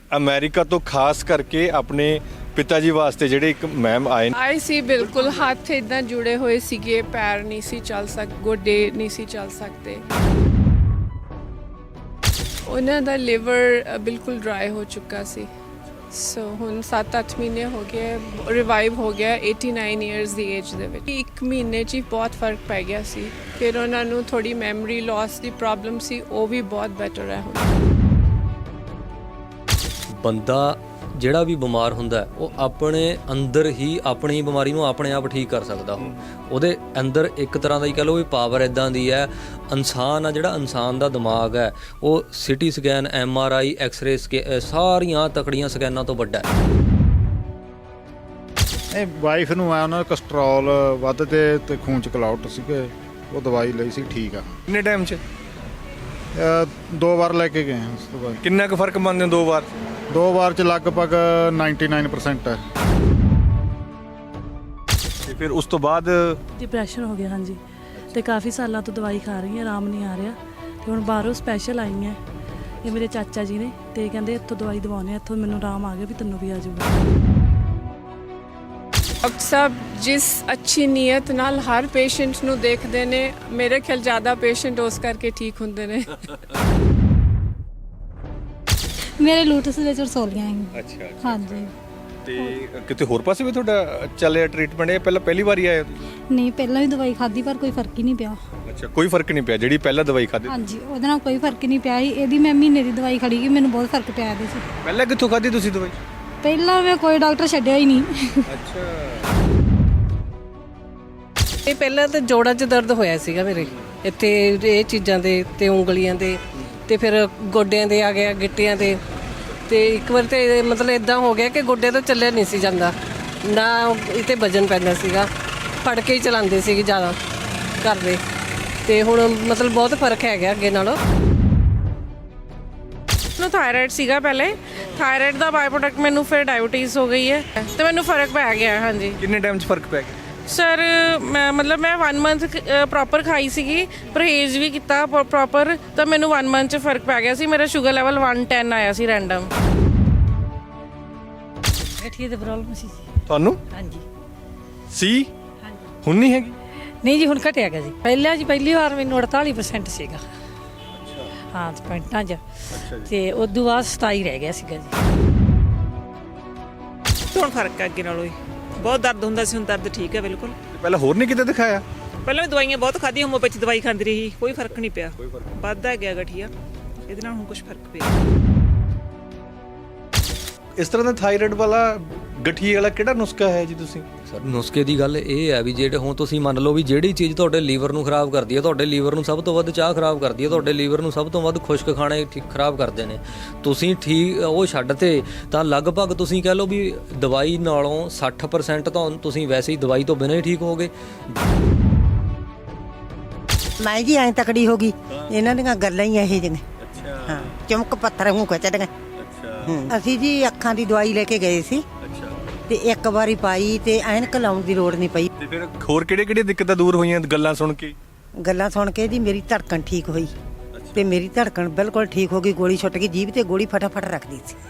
America ਤੋਂ ਖਾਸ ਕਰਕੇ ਆਪਣੇ ਪਿਤਾ ਜੀ ਵਾਸਤੇ ਜਿਹੜੇ ਇੱਕ ਮੈਮ ਆਏ ਸੀ ਬਿਲਕੁਲ ਹੱਥ ਇਦਾਂ ਜੁੜੇ ਹੋਏ ਸੀਗੇ, ਪੈਰ ਨਹੀਂ ਸੀ ਚੱਲ ਗੋਡੇ ਨਹੀਂ ਸੀ ਚੱਲ ਸਕਦੇ। ਉਹਨਾਂ ਦਾ ਲਿਵਰ ਬਿਲਕੁਲ ਡਰਾਈ ਹੋ ਚੁੱਕਾ ਸੀ। ਸੋ ਹੁਣ 7-8 ਮਹੀਨੇ ਹੋ ਗਏ, ਰਿਵਾਈਵ ਹੋ ਗਿਆ 89 ਇਅਰਸ ਦੀ ਏਜ ਦੇ ਵਿੱਚ। 1 ਮਹੀਨੇ 'ਚ ਹੀ ਬਹੁਤ ਫਰਕ ਪੈ ਗਿਆ ਸੀ। ਫਿਰ ਉਹਨਾਂ ਨੂੰ ਥੋੜੀ ਮੈਮਰੀ ਲਾਸ ਦੀ ਪ੍ਰੋਬਲਮ ਸੀ, ਉਹ ਵੀ ਬਹੁਤ ਬੈਟਰ ਹੈ ਹੁਣ। ਬੰਦਾ ਜਿਹੜਾ ਵੀ ਬਿਮਾਰ ਹੁੰਦਾ ਉਹ ਆਪਣੇ ਅੰਦਰ ਹੀ ਆਪਣੀ ਬਿਮਾਰੀ ਨੂੰ ਆਪਣੇ ਆਪ ਠੀਕ ਕਰ ਸਕਦਾ। ਉਹਦੇ ਅੰਦਰ ਇੱਕ ਤਰ੍ਹਾਂ ਦਾ ਹੀ ਕਹਿ ਲਓ ਵੀ ਪਾਵਰ ਇੱਦਾਂ ਦੀ ਹੈ। ਇਨਸਾਨ ਆ ਜਿਹੜਾ, ਇਨਸਾਨ ਦਾ ਦਿਮਾਗ ਹੈ ਉਹ ਸਿਟੀ ਸਕੈਨ, MRI, ਐਕਸ-ਰੇ ਸਾਰੀਆਂ ਤਕੜੀਆਂ ਸਕੈਨਾਂ ਤੋਂ ਵੱਡਾ ਹੈ। ਇਹ ਵਾਈਫ ਨੂੰ ਆ, ਉਹਨਾਂ ਦਾ ਕੋਲੇਸਟ੍ਰੋਲ ਵੱਧ ਤੇ ਖੂਨ ਚ ਕਲਾਉਟ ਸੀਗੇ, ਉਹ ਦਵਾਈ ਲਈ ਸੀ, ਠੀਕ ਆ। ਕਿੰਨੇ ਟਾਈਮ 'ਚ 2 ਵਾਰ ਲੈ ਕੇ ਗਏ ਉਸ ਤੋਂ ਬਾਅਦ। ਕਿੰਨਾ ਕੁ ਫਰਕ ਮੰਨਦੇ ਹੋ 2 ਵਾਰ? 2 ਵਾਰ ਚ ਲਗਭਗ 99% ਹੈ। ਤੇ ਫਿਰ ਉਸ ਤੋਂ ਬਾਅਦ ਡਿਪਰੈਸ਼ਨ ਹੋ ਗਿਆ। ਹਾਂਜੀ, ਤੇ ਕਾਫੀ ਸਾਲਾਂ ਤੋਂ ਦਵਾਈ ਖਾ ਰਹੀ ਹਾਂ, ਆਰਾਮ ਨਹੀਂ ਆ ਰਿਹਾ। ਤੇ ਹੁਣ ਬਾਹਰੋਂ ਸਪੈਸ਼ਲ ਆਈ ਹਾਂ, ਇਹ ਮੇਰੇ ਚਾਚਾ ਜੀ ਨੇ, ਤੇ ਕਹਿੰਦੇ ਇੱਥੋਂ ਦਵਾਈ ਦਵਾਉਂਦੇ ਆ, ਇੱਥੋਂ ਮੈਨੂੰ ਆਰਾਮ ਆ ਗਿਆ ਵੀ ਤੈਨੂੰ ਵੀ ਆ ਜਾਊਗਾ। ਡਾਕਟਰ ਸਾਹਿਬ ਜਿਸ ਅੱਛੀ ਨੀਅਤ ਨਾਲ ਹਰ ਪੇਸ਼ੈਂਟ ਨੂੰ ਦੇਖਦੇ ਨੇ, ਮੇਰੇ ਖਿਆਲ ਜ਼ਿਆਦਾ ਪੇਸ਼ੈਂਟ ਉਸ ਕਰਕੇ ਠੀਕ ਹੁੰਦੇ ਨੇ। ਮੇਰੇ ਲੂਟਸ ਦੇ ਚਰਸੋਲੀਆਂ ਹੈ। ਅੱਛਾ। ਹਾਂਜੀ। ਤੇ ਕਿਤੇ ਹੋਰ ਪਾਸੇ ਵੀ ਤੁਹਾਡਾ ਚੱਲਿਆ ਟ੍ਰੀਟਮੈਂਟ? ਇਹ ਪਹਿਲੀ ਵਾਰੀ ਆਏ ਹੋ? ਨਹੀਂ, ਪਹਿਲਾਂ ਵੀ ਦਵਾਈ ਖਾਧੀ ਪਰ ਕੋਈ ਫਰਕ ਹੀ ਨਹੀਂ ਪਿਆ। ਅੱਛਾ, ਕੋਈ ਫਰਕ ਨਹੀਂ ਪਿਆ ਜਿਹੜੀ ਪਹਿਲਾਂ ਦਵਾਈ ਖਾਧੀ? ਹਾਂਜੀ, ਉਹਦੇ ਨਾਲ ਕੋਈ ਫਰਕ ਨਹੀਂ ਪਿਆ ਸੀ। ਇਹਦੀ ਮੈਂ ਮਹੀਨੇ ਦੀ ਦਵਾਈ ਖੜੀ ਗਈ, ਮੈਨੂੰ ਬਹੁਤ ਫਰਕ ਪਿਆ ਇਹਦੇ 'ਚ। ਪਹਿਲਾਂ ਕਿੱਥੋਂ ਖਾਧੀ ਤੁਸੀਂ ਦਵਾਈ? ਪਹਿਲਾਂ ਮੈਂ ਕੋਈ ਡਾਕਟਰ ਛੱਡਿਆ ਹੀ ਨਹੀਂ। ਅੱਛਾ। ਇਹ ਪਹਿਲਾਂ ਤਾਂ ਜੋੜਾਂ 'ਚ ਦਰਦ ਹੋਇਆ ਸੀਗਾ ਮੇਰੇ, ਇੱਥੇ ਇਹ ਚੀਜ਼ਾਂ ਦੇ ਤੇ ਉਂਗਲੀਆਂ ਦੇ, ਤੇ ਫਿਰ ਗੋਡਿਆਂ ਦੇ ਆ ਗਿਆ, ਗਿੱਟਿਆਂ ਦੇ। ਤੇ ਇੱਕ ਵਾਰ ਤੇ ਮਤਲਬ ਇਦਾਂ ਹੋ ਗਿਆ ਕਿ ਗੋਡੇ ਤੋਂ ਚੱਲਿਆ ਨਹੀਂ ਸੀ ਜਾਂਦਾ, ਨਾ ਇਹ 'ਤੇ ਵਜਨ ਪੈਂਦਾ ਸੀਗਾ, ਫੜ ਕੇ ਹੀ ਚਲਾਉਂਦੇ ਸੀਗੇ ਜ਼ਿਆਦਾ ਘਰ ਦੇ। ਤੇ ਹੁਣ ਮਤਲਬ ਬਹੁਤ ਫਰਕ ਹੈਗਾ ਅੱਗੇ ਨਾਲੋਂ। ਮੈਨੂੰ ਥਾਇਰਾਇਡ ਸੀਗਾ ਪਹਿਲੇ, ਥਾਇਰਾਇਡ ਦਾ ਬਾਈ ਪ੍ਰੋਡਕਟ ਮੈਨੂੰ ਫਿਰ ਡਾਇਬੀਟੀਜ਼ ਹੋ ਗਈ ਹੈ, ਤੇ ਮੈਨੂੰ ਫਰਕ ਪੈ ਗਿਆ। ਹਾਂਜੀ। ਕਿੰਨੇ ਟਾਈਮ 'ਚ ਫਰਕ ਪੈ ਗਿਆ? ਸਰ ਮੈਂ 1 ਮੰਥ ਪ੍ਰੋਪਰ ਖਾਈ ਸੀਗੀ, ਪਰਹੇਜ਼ ਵੀ ਕੀਤਾ ਪ੍ਰੋਪਰ, ਤਾਂ ਮੈਨੂੰ 1 ਮੰਥ 'ਚ ਫਰਕ ਪੈ ਗਿਆ ਸੀ। ਮੇਰਾ ਸ਼ੂਗਰ ਲੈਵਲ 110 ਆਇਆ ਸੀ ਰੈਂਡਮ। ਗਠੀਏ ਦੀ ਪ੍ਰੋਬਲਮ ਸੀ ਤੁਹਾਨੂੰ? ਹਾਂਜੀ। ਸੀ? ਹੁਣ ਨਹੀਂ ਹੈਗੀ? ਨਹੀਂ ਜੀ, ਹੁਣ ਘਟਿਆ ਗਿਆ ਜੀ। ਪਹਿਲੀ ਵਾਰ ਮੈਨੂੰ 48% ਸੀਗਾ। ਅੱਛਾ। ਹਾਂ, ਪੁਆਇੰਟਾਂ 'ਚ। ਅੱਛਾ ਜੀ। ਤੇ ਉਦੋਂ ਬਾਅਦ 27 ਰਹਿ ਗਿਆ ਸੀਗਾ ਜੀ। ਹੁਣ ਫਰਕ ਹੈ ਅੱਗੇ ਨਾਲੋਂ ਹੀ। ਬਹੁਤ ਦਰਦ ਹੁੰਦਾ ਸੀ, ਹੁਣ ਦਰਦ ਠੀਕ ਹੈ ਬਿਲਕੁਲ। ਪਹਿਲਾਂ ਹੋਰ ਨਹੀਂ ਕਿਤੇ ਦਿਖਾਇਆ? ਪਹਿਲਾਂ ਵੀ ਦਵਾਈਆਂ ਬਹੁਤ ਖਾਧੀਆਂ, ਹੋਮੋਪੈਥੀ ਦਵਾਈ ਖਾਂਦੀ ਰਹੀ, ਕੋਈ ਫਰਕ ਨਹੀਂ ਪਿਆ। ਵੱਧਦਾ ਗਿਆ ਗਠੀਆ, ਇਹਦੇ ਨਾਲ ਹੁਣ ਕੁਝ ਫਰਕ ਪਿਆ। ਇਸ ਤਰ੍ਹਾਂ ਦਾ ਥਾਇਰਾਇਡ ਵਾਲਾ, ਗਠੀਏ ਵਾਲਾ ਕਿਹੜਾ ਨੁਸਖਾ ਹੈ ਜੀ ਤੁਸੀਂ? ਸਰ ਨੁਸਖੇ ਦੀ ਗੱਲ ਇਹ ਹੈ ਵੀ ਜਿਹੜੇ ਹੁਣ ਤੁਸੀਂ ਮੰਨ ਲਓ ਵੀ ਜਿਹੜੀ ਚੀਜ਼ ਤੁਹਾਡੇ ਲੀਵਰ ਨੂੰ ਖਰਾਬ ਕਰਦੀ ਹੈ, ਤੁਹਾਡੇ ਲੀਵਰ ਨੂੰ ਸਭ ਤੋਂ ਵੱਧ ਚਾਹ ਖਰਾਬ ਕਰਦੀ ਹੈ, ਤੁਹਾਡੇ ਲੀਵਰ ਨੂੰ ਸਭ ਤੋਂ ਵੱਧ ਖੁਸ਼ਕ ਖਾਣੇ ਖਰਾਬ ਕਰਦੇ ਨੇ, ਤੁਸੀਂ ਠੀਕ ਉਹ ਛੱਡ ਤੇ ਤਾਂ ਲਗਭਗ ਤੁਸੀਂ ਕਹਿ ਲਓ ਵੀ ਦਵਾਈ ਨਾਲੋਂ 60% ਤਾਂ ਤੁਸੀਂ ਵੈਸੇ ਹੀ ਦਵਾਈ ਤੋਂ ਬਿਨਾਂ ਹੀ ਠੀਕ ਹੋਗੇ। ਮੈਂ ਜੀ ਐਂ ਤਕੜੀ ਹੋ ਗਈ, ਇਹਨਾਂ ਦੀਆਂ ਗੱਲਾਂ ਹੀ ਇਹੋ ਜਿਹੀਆਂ। ਅੱਛਾ। ਹਾਂ, ਚਮਕ ਪੱਥਰ ਮੂੰਹ ਖਿੱਚਦੀਆਂ। ਅੱਛਾ। ਅਸੀਂ ਜੀ ਅੱਖਾਂ ਦੀ ਦਵਾਈ ਲੈ ਕੇ ਗਏ ਸੀ। ਅੱਛਾ। ਤੇ ਇੱਕ ਵਾਰੀ ਪਾਈ ਤੇ ਐਨਕ ਲਾਉਣ ਦੀ ਲੋੜ ਨਹੀਂ ਪਈ। ਤੇ ਫਿਰ ਹੋਰ ਕਿਹੜੇ ਦਿੱਕਤਾਂ ਦੂਰ ਹੋਈਆਂ ਗੱਲਾਂ ਸੁਣ ਕੇ? ਗੱਲਾਂ ਸੁਣ ਕੇ ਜੀ ਮੇਰੀ ਧੜਕਣ ਠੀਕ ਹੋਈ, ਤੇ ਮੇਰੀ ਧੜਕਣ ਬਿਲਕੁਲ ਠੀਕ ਹੋ ਗਈ। ਗੋਲੀ ਛੁੱਟ ਗਈ, ਜੀਭ ਤੇ ਗੋਲੀ ਫਟਾਫਟ ਰੱਖਦੀ ਸੀ।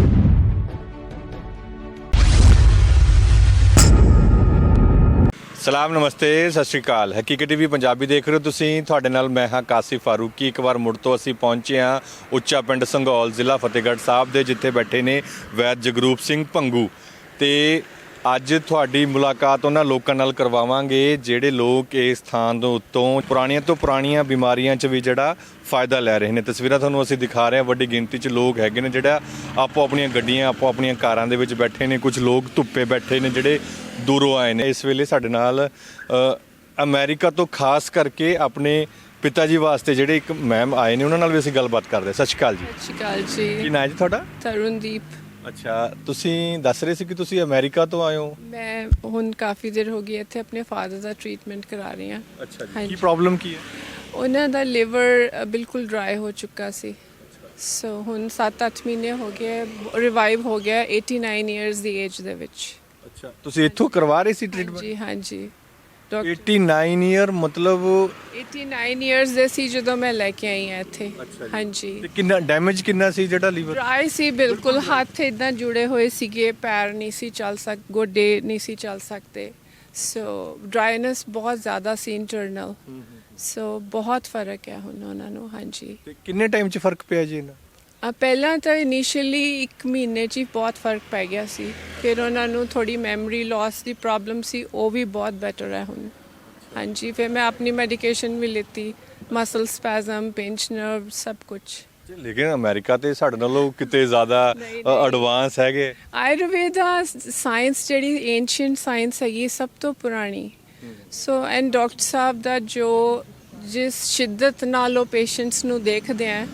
ਸਲਾਮ, ਨਮਸਤੇ, ਸਤਿ ਸ਼੍ਰੀ ਅਕਾਲ। ਹਕੀਕਤ ਟੀਵੀ ਪੰਜਾਬੀ ਦੇਖ ਰਹੇ ਹੋ ਤੁਸੀਂ। ਤੁਹਾਡੇ ਨਾਲ ਮੈਂ ਹਾਂ ਕਾਸਿਫ ਫਾਰੂਕੀ। ਇੱਕ ਵਾਰ ਮੁੜ ਤੋਂ ਅਸੀਂ ਪਹੁੰਚੇ ਹਾਂ ਉੱਚਾ ਪਿੰਡ ਸੰਘੌਲ, ਜ਼ਿਲ੍ਹਾ ਫਤਿਹਗੜ੍ਹ ਸਾਹਿਬ ਦੇ, ਜਿੱਥੇ ਬੈਠੇ ਨੇ ਵੈਦ ਜਗਰੂਪ ਸਿੰਘ ਭੰਗੂ। ਤੇ ਅੱਜ ਤੁਹਾਡੀ ਮੁਲਾਕਾਤ ਉਹਨਾਂ ਲੋਕਾਂ ਨਾਲ ਕਰਵਾਵਾਂਗੇ ਜਿਹੜੇ ਲੋਕ ਇਸ ਥਾਂ ਦੇ ਉੱਤੋਂ ਪੁਰਾਣੀਆਂ ਤੋਂ ਪੁਰਾਣੀਆਂ ਬਿਮਾਰੀਆਂ 'ਚ ਵੀ ਜਿਹੜਾ ਫਾਇਦਾ ਲੈ ਰਹੇ ਨੇ। ਤਸਵੀਰਾਂ ਤੁਹਾਨੂੰ ਅਸੀਂ ਦਿਖਾ ਰਹੇ ਹਾਂ, ਵੱਡੀ ਗਿਣਤੀ 'ਚ ਲੋਕ ਹੈਗੇ ਨੇ ਜਿਹੜਾ ਆਪੋ ਆਪਣੀਆਂ ਗੱਡੀਆਂ, ਆਪੋ ਆਪਣੀਆਂ ਕਾਰਾਂ ਦੇ ਵਿੱਚ ਬੈਠੇ ਨੇ। ਕੁਝ ਲੋਕ ਧੁੱਪੇ ਬੈਠੇ ਨੇ ਜਿਹੜੇ ਦੂਰੋਂ ਆਏ ਨੇ। ਇਸ ਵੇਲੇ ਸਾਡੇ ਨਾਲ ਅਮਰੀਕਾ ਤੋਂ ਖਾਸ ਕਰਕੇ ਆਪਣੇ ਪਿਤਾ ਜੀ ਵਾਸਤੇ ਜਿਹੜੇ ਇੱਕ ਮੈਮ ਆਏ ਨੇ, ਉਹਨਾਂ ਨਾਲ ਵੀ ਅਸੀਂ ਗੱਲਬਾਤ ਕਰਦੇ। ਸਤਿ ਸ਼੍ਰੀ ਅਕਾਲ ਜੀ। ਸਤਿ ਸ਼੍ਰੀ ਅਕਾਲ ਜੀ। ਕੀ ਨਾਂ ਜੀ ਤੁਹਾਡਾ? ਤਰੁਣਦੀਪ। ਅੱਛਾ, ਤੁਸੀਂ ਦੱਸ ਰਹੇ ਸੀ ਕਿ ਤੁਸੀਂ ਅਮਰੀਕਾ ਤੋਂ ਆਏ ਹੋ। ਮੈਂ ਹੁਣ ਕਾਫੀ ਦੇਰ ਹੋ ਗਈ ਇੱਥੇ ਆਪਣੇ ਫਾਦਰ ਦਾ ਟ੍ਰੀਟਮੈਂਟ ਕਰਾ ਰਹੀ ਹਾਂ। ਅੱਛਾ ਜੀ। ਕੀ ਪ੍ਰੋਬਲਮ ਕੀ ਹੈ? ਉਹਨਾਂ ਦਾ ਲਿਵਰ ਬਿਲਕੁਲ ਡਰਾਈ ਹੋ ਚੁੱਕਾ ਸੀ। ਸੋ ਹੁਣ 7-8 ਮਹੀਨੇ ਹੋ ਗਏ, ਰਿਵਾਈਵ ਹੋ ਗਿਆ 89 ਇਅਰਸ ਦੀ ਏਜ ਦੇ ਵਿੱਚ। ਅੱਛਾ, ਤੁਸੀਂ ਇੱਥੋਂ ਕਰਵਾ ਰਹੇ ਸੀ ਟ੍ਰੀਟਮੈਂਟ? ਜੀ ਹਾਂਜੀ। ਡਾਕਟਰ 89 ਈਅਰ ਮਤਲਬ 89 ਇਅਰਸ ਦੇ ਸੀ ਜਦੋਂ ਮੈਂ ਲੈ ਕੇ ਆਈ ਹਾਂ ਇੱਥੇ ਹਾਂਜੀ ਤੇ ਕਿੰਨਾ ਡੈਮੇਜ ਕਿੰਨਾ ਸੀ ਜਿਹੜਾ ਲੀਵਰ ਡਰਾਈ ਸੀ ਬਿਲਕੁਲ ਹੱਥ ਇਦਾਂ ਜੁੜੇ ਹੋਏ ਸੀਗੇ ਪੈਰ ਨਹੀਂ ਸੀ ਚੱਲ ਗੋਡੇ ਨਹੀਂ ਸੀ ਚੱਲ ਸਕਦੇ ਸੋ ਡਰਾਈਨੈਸ ਬਹੁਤ ਜ਼ਿਆਦਾ ਸੀ ਇੰਟਰਨਲ ਸੋ ਬਹੁਤ ਫਰਕ ਹੈ ਹੁਣ ਉਹਨਾਂ ਨੂੰ ਹਾਂਜੀ ਤੇ ਕਿੰਨੇ ਟਾਈਮ 'ਚ ਫਰਕ ਪਿਆ ਜੀ ਇਹਨਾਂ ਪਹਿਲਾਂ ਤਾਂ ਇਨੀਸ਼ੀਅਲੀ 1 ਮਹੀਨੇ 'ਚ ਹੀ ਬਹੁਤ ਫਰਕ ਪੈ ਗਿਆ ਸੀ ਫਿਰ ਉਹਨਾਂ ਨੂੰ ਥੋੜੀ ਮੈਮਰੀ ਲਾਸ ਦੀ ਪ੍ਰੋਬਲਮ ਸੀ ਉਹ ਵੀ ਬਹੁਤ ਬੈਟਰ ਹੈ ਹੁਣ ਹਾਂਜੀ ਫਿਰ ਮੈਂ ਆਪਣੀ ਮੈਡੀਕੇਸ਼ਨ ਵੀ ਲਿੱਤੀ ਮਸਲ ਸਪੈਜ਼ਮ ਪਿੰਚ ਨਰਵ ਸਭ ਕੁਝ ਲੇਕਿਨ ਅਮਰੀਕਾ ਤੇ ਸਾਡੇ ਨਾਲੋਂ ਕਿਤੇ ਜ਼ਿਆਦਾ ਐਡਵਾਂਸ ਹੈਗੇ ਆਯੁਰਵੇਦਾ ਸਾਇੰਸ ਜਿਹੜੀ ਏਂਸ਼ੀਅੰਟ ਸਾਇੰਸ ਹੈਗੀ ਸਭ ਤੋਂ ਪੁਰਾਣੀ ਸੋ ਐਂਡ ਡਾਕਟਰ ਸਾਹਿਬ ਦਾ ਜੋ ਜਿਸ ਸ਼ਿੱਦਤ ਨਾਲ ਉਹ ਪੇਸ਼ੈਂਟਸ ਨੂੰ ਦੇਖਦੇ ਆ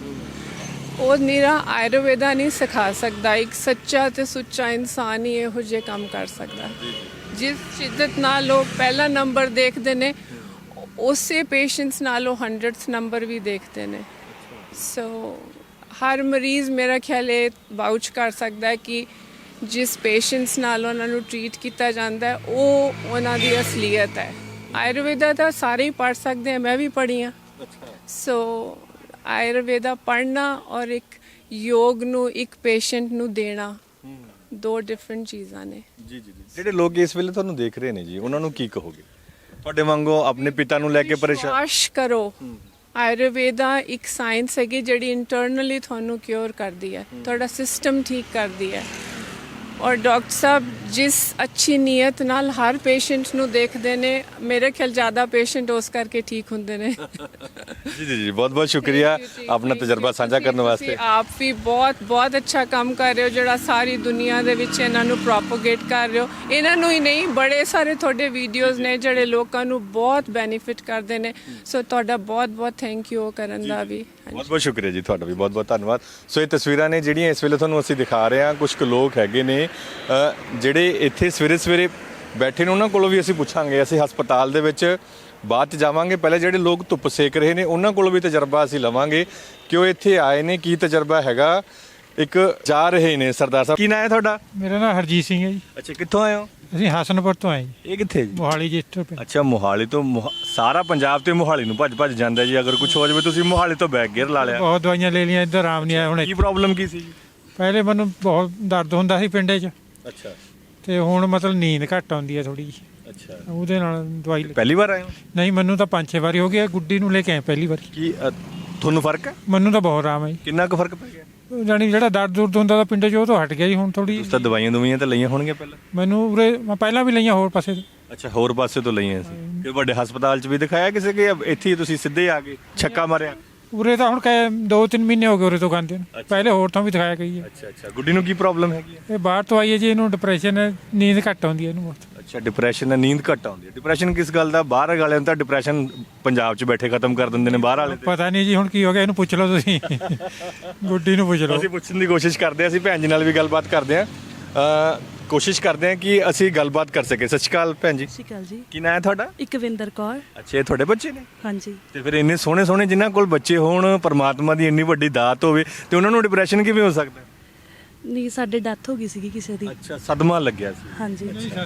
ਉਹ ਨਿਰਾ ਆਯੁਰਵੇਦਾ ਨਹੀਂ ਸਿਖਾ ਸਕਦਾ ਇੱਕ ਸੱਚਾ ਤੇ ਸੁੱਚਾ ਇਨਸਾਨ ਹੀ ਇਹੋ ਜਿਹੇ ਕੰਮ ਕਰ ਸਕਦਾ ਜਿਸ ਸ਼ਿੱਦਤ ਨਾਲ ਉਹ ਪਹਿਲਾ ਨੰਬਰ ਦੇਖਦੇ ਨੇ ਉਸੇ ਪੇਸ਼ੈਂਟਸ ਨਾਲ ਉਹ 100th ਨੰਬਰ ਵੀ ਦੇਖਦੇ ਨੇ ਸੋ ਹਰ ਮਰੀਜ਼ ਮੇਰਾ ਖਿਆਲ ਇਹ ਵਾਊਚ ਕਰ ਸਕਦਾ ਹੈ ਕਿ ਜਿਸ ਪੇਸ਼ੈਂਟਸ ਨਾਲ ਉਹਨਾਂ ਨੂੰ ਟਰੀਟ ਕੀਤਾ ਜਾਂਦਾ ਉਹ ਉਹਨਾਂ ਦੀ ਅਸਲੀਅਤ ਹੈ ਆਯੁਰਵੇਦਾ ਤਾਂ ਸਾਰੇ ਹੀ ਪੜ੍ਹ ਸਕਦੇ ਆ ਮੈਂ ਵੀ ਪੜ੍ਹੀ ਹਾਂ ਸੋ ਆਯੁਰਵੇਦਾ ਪੜ੍ਹਨਾ ਔਰ ਇੱਕ ਯੋਗ ਨੂੰ ਇੱਕ ਪੇਸ਼ੈਂਟ ਨੂੰ ਦੇਣਾ ਦੋ ਡਿਫਰੈਂਟ ਚੀਜ਼ਾਂ ਨੇ ਜੀ ਜਿਹੜੇ ਲੋਕ ਇਸ ਵੇਲੇ ਤੁਹਾਨੂੰ ਦੇਖ ਰਹੇ ਨੇ ਜੀ ਉਹਨਾਂ ਨੂੰ ਕੀ ਕਹੋਗੇ ਤੁਹਾਡੇ ਵਾਂਗੂ ਆਪਣੇ ਪਿਤਾ ਨੂੰ ਲੈ ਕੇ ਪਰੇਸ਼ਾਨ ਵਿਸ਼ਵਾਸ ਕਰੋ ਆਯੁਰਵੇਦਾ ਇੱਕ ਸਾਇੰਸ ਹੈਗੀ ਜਿਹੜੀ ਇੰਟਰਨਲੀ ਤੁਹਾਨੂੰ ਕਿਉਰ ਕਰਦੀ ਹੈ ਤੁਹਾਡਾ ਸਿਸਟਮ ਠੀਕ ਕਰਦੀ ਹੈ ਔਰ ਡਾਕਟਰ ਸਾਹਿਬ ਜਿਸ ਅੱਛੀ ਨੀਅਤ ਨਾਲ ਹਰ ਪੇਸ਼ੈਂਟ ਨੂੰ ਦੇਖਦੇ ਨੇ ਮੇਰੇ ਖਿਆਲ ਜ਼ਿਆਦਾ ਪੇਸ਼ੈਂਟ ਉਸ ਕਰਕੇ ਠੀਕ ਹੁੰਦੇ ਨੇ ਜੀ ਬਹੁਤ ਬਹੁਤ ਸ਼ੁਕਰੀਆ ਆਪਣਾ ਤਜਰਬਾ ਸਾਂਝਾ ਕਰਨ ਵਾਸਤੇ ਆਪ ਵੀ ਬਹੁਤ ਬਹੁਤ ਅੱਛਾ ਕੰਮ ਕਰ ਰਹੇ ਹੋ ਜਿਹੜਾ ਸਾਰੀ ਦੁਨੀਆ ਦੇ ਵਿੱਚ ਇਹਨਾਂ ਨੂੰ ਪ੍ਰੋਪਗੇਟ ਕਰ ਰਹੇ ਹੋ ਇਹਨਾਂ ਨੂੰ ਹੀ ਨਹੀਂ ਬੜੇ ਸਾਰੇ ਤੁਹਾਡੇ ਵੀਡੀਓਜ਼ ਨੇ ਜਿਹੜੇ ਲੋਕਾਂ ਨੂੰ ਬਹੁਤ ਬੈਨੀਫਿਟ ਕਰਦੇ ਨੇ ਸੋ ਤੁਹਾਡਾ ਬਹੁਤ ਬਹੁਤ ਥੈਂਕ ਯੂ ਕਰਨ ਦਾ ਵੀ ਬਹੁਤ ਬਹੁਤ ਸ਼ੁਕਰੀਆ ਜੀ ਤੁਹਾਡਾ ਵੀ ਬਹੁਤ ਬਹੁਤ ਧੰਨਵਾਦ ਸੋ ਇਹ ਤਸਵੀਰਾਂ ਨੇ ਜਿਹੜੀਆਂ ਇਸ ਵੇਲੇ ਤੁਹਾਨੂੰ ਅਸੀਂ ਦਿਖਾ ਰਹੇ ਹਾਂ ਕੁਝ ਕੁ ਲੋਕ ਹੈਗੇ ਨੇ ਜਿਹੜੇ ਇੱਥੇ ਸਵੇਰੇ ਬੈਠੇ ਨੇ ਉਹਨਾਂ ਕੋਲੋਂ ਵੀ ਅਸੀਂ ਪੁੱਛਾਂਗੇ ਅਸੀਂ ਹਸਪਤਾਲ ਦੇ ਵਿੱਚ ਬਾਅਦ 'ਚ ਜਾਵਾਂਗੇ ਪਹਿਲੇ ਜਿਹੜੇ ਲੋਕ ਧੁੱਪ ਸੇਕ ਰਹੇ ਨੇ ਉਹਨਾਂ ਕੋਲੋਂ ਵੀ ਤਜਰਬਾ ਅਸੀਂ ਲਵਾਂਗੇ ਕਿ ਉਹ ਇੱਥੇ ਆਏ ਨੇ ਕੀ ਤਜਰਬਾ ਹੈਗਾ ਇੱਕ ਜਾ ਰਹੇ ਨੇ ਸਰਦਾਰ ਸਾਹਿਬ ਕੀ ਨਾਂ ਹੈ ਤੁਹਾਡਾ ਮੇਰਾ ਨਾਮ ਹਰਜੀਤ ਸਿੰਘ ਹੈ ਜੀ ਅੱਛਾ ਕਿੱਥੋਂ ਆਏ ਹੋ ਅਸੀਂ ਹਸਨਪੁਰ ਤੋਂ ਆਏ ਜੀ ਇਹ ਕਿੱਥੇ ਜੀ ਮੋਹਾਲੀ ਜਿਸਟਰ ਪਿੰਡ ਅੱਛਾ ਮੋਹਾਲੀ ਤੋਂ ਸਾਰਾ ਪੰਜਾਬ ਤੇ ਮੋਹਾਲੀ ਨੂੰ ਭੱਜ ਜਾਂਦਾ ਜੀ ਅਗਰ ਕੁਝ ਹੋ ਜਾਵੇ ਤੁਸੀਂ ਮੋਹਾਲੀ ਤੋਂ ਬੈਕ ਗੇਅਰ ਲਾ ਲਿਆ ਬਹੁਤ ਦਵਾਈਆਂ ਲੈ ਲਈਆਂ ਇੱਧਰ ਆਰਾਮ ਨਹੀਂ ਆਇਆ ਹੁਣ ਕੀ ਪ੍ਰੋਬਲਮ ਕੀ ਸੀ ਜੀ ਪਹਿਲੇ ਮੈਨੂੰ ਬਹੁਤ ਦਰਦ ਹੁੰਦਾ ਸੀ ਪਿੰਡੇ 'ਚ ਅੱਛਾ ਤੇ ਹੁਣ ਮਤਲਬ ਨੀਂਦ ਘੱਟ ਆਉਂਦੀ ਹੈ ਥੋੜੀ ਜਿਹੀ ਅੱਛਾ ਉਹਦੇ ਨਾਲ ਦਵਾਈ ਪਹਿਲੀ ਵਾਰ ਆਏ ਹੋ ਨਹੀਂ ਮੈਨੂੰ ਤਾਂ 5-6 ਵਾਰੀ ਹੋ ਗਿਆ ਗੁੱਡੀ ਨੂੰ ਲੈ ਕੇ ਆਏ ਪਹਿਲੀ ਵਾਰੀ ਕੀ ਤੁਹਾਨੂੰ ਫਰਕ ਹੈ ਮੈਨੂੰ ਤਾਂ ਬਹੁਤ ਆਰਾਮ ਹੈ ਜੀ ਕਿੰਨਾ ਕੁ ਫਰਕ ਪੈ ਗਿਆ ਜਾਣੀ ਜਿਹੜਾ ਦਰਦ ਦੁਰਦ ਹੁੰਦਾ ਤਾਂ ਪਿੰਡੇ 'ਚ ਉਹ ਤੋਂ ਹਟ ਗਿਆ ਜੀ ਹੁਣ ਥੋੜੀ ਉਸ ਤਾਂ ਦਵਾਈਆਂ ਤਾਂ ਲਈਆਂ ਹੋਣਗੀਆਂ ਪਹਿਲਾਂ ਮੈਨੂੰ ਉਰੇ ਮੈਂ ਪਹਿਲਾਂ ਵੀ ਲਈਆਂ ਹੋਰ ਪਾਸੇ ਤੋਂ ਅੱਛਾ ਹੋਰ ਪਾਸੇ ਤੋਂ ਲਈਆਂ ਸੀ ਕਿ ਵੱਡੇ ਹਸਪਤਾਲ 'ਚ ਵੀ ਦਿਖਾਇਆ ਕਿਸੇ ਕਿ ਇੱਥੇ ਹੀ ਤੁਸੀਂ ਸਿੱਧੇ ਆ ਗਏ ਛੱਕਾ ਮਾਰਿਆ ਉਰੇ ਤਾਂ ਹੁਣ 2-3 ਮਹੀਨੇ ਹੋ ਗਏ ਉਰੇ ਤੋਂ ਖਾਂਦੇ ਨੂੰ ਪਹਿਲੇ ਹੋਰ ਤੋਂ ਵੀ ਦਿਖਾਇਆ ਗਈ ਹੈ ਅੱਛਾ ਗੁੱਡੀ ਨੂੰ ਕੀ ਪ੍ਰੋਬਲਮ ਹੈਗੀ ਹੈ ਇਹ ਬਾਹਰ ਤੋਂ ਆਈ ਹੈ ਜੀ ਇਹਨੂੰ ਡਿਪਰੈਸ਼ਨ ਹੈ ਨੀਂਦ ਘੱਟ ਆਉਂਦੀ ਹੈ ਇਹਨੂੰ ਬਹੁਤ ਅੱਛਾ ਡਿਪਰੈਸ਼ਨ ਨਾਲ ਨੀਂਦ ਘੱਟ ਆਉਂਦੀ ਹੈ ਡਿਪਰੈਸ਼ਨ ਕਿਸ ਗੱਲ ਦਾ ਬਾਹਰ ਵਾਲਿਆਂ ਨੂੰ ਤਾਂ ਡਿਪਰੈਸ਼ਨ ਪੰਜਾਬ 'ਚ ਬੈਠੇ ਖਤਮ ਕਰ ਦਿੰਦੇ ਨੇ ਬਾਹਰ ਵਾਲੇ ਪਤਾ ਨਹੀਂ ਜੀ ਹੁਣ ਕੀ ਹੋ ਗਿਆ ਇਹਨੂੰ ਪੁੱਛ ਲਓ ਤੁਸੀਂ ਗੁੱਡੀ ਨੂੰ ਪੁੱਛ ਲਓ ਅਸੀਂ ਪੁੱਛਣ ਦੀ ਕੋਸ਼ਿਸ਼ ਕਰਦੇ ਹਾਂ ਅਸੀਂ ਭੈਣ ਜੀ ਨਾਲ ਵੀ ਗੱਲਬਾਤ ਕਰਦੇ ਹਾਂ ਕੋਸ਼ਿਸ਼ ਕਰਦੇ ਹਾਂ ਕਿ ਅਸੀਂ ਗੱਲਬਾਤ ਕਰ ਸਕੀਏ ਸਤਿ ਸ਼੍ਰੀ ਅਕਾਲ ਭੈਣ ਜੀ ਸਤਿ ਸ਼੍ਰੀ ਅਕਾਲ ਜੀ ਕੀ ਨਾਂ ਹੈ ਤੁਹਾਡਾ ਇਕਵਿੰਦਰ ਕੌਰ ਅੱਛਾ ਇਹ ਤੁਹਾਡੇ ਬੱਚੇ ਨੇ ਹਾਂਜੀ ਤੇ ਫਿਰ ਇੰਨੇ ਸੋਹਣੇ ਜਿਨ੍ਹਾਂ ਕੋਲ ਬੱਚੇ ਹੋਣ ਪਰਮਾਤਮਾ ਦੀ ਇੰਨੀ ਵੱਡੀ ਦਾਤ ਹੋਵੇ ਤੇ ਉਹਨਾਂ ਨੂੰ ਡਿਪਰੈਸ਼ਨ ਕਿਵੇਂ ਹੋ ਸਕਦਾ ਨਹੀਂ ਸਾਡੇ ਡੈਥ ਹੋ ਗਈ ਸੀਗੀ ਕਿਸੇ ਦੀ ਅੱਛਾ ਸਦਮਾ ਲੱਗਿਆ ਸੀ ਹਾਂਜੀ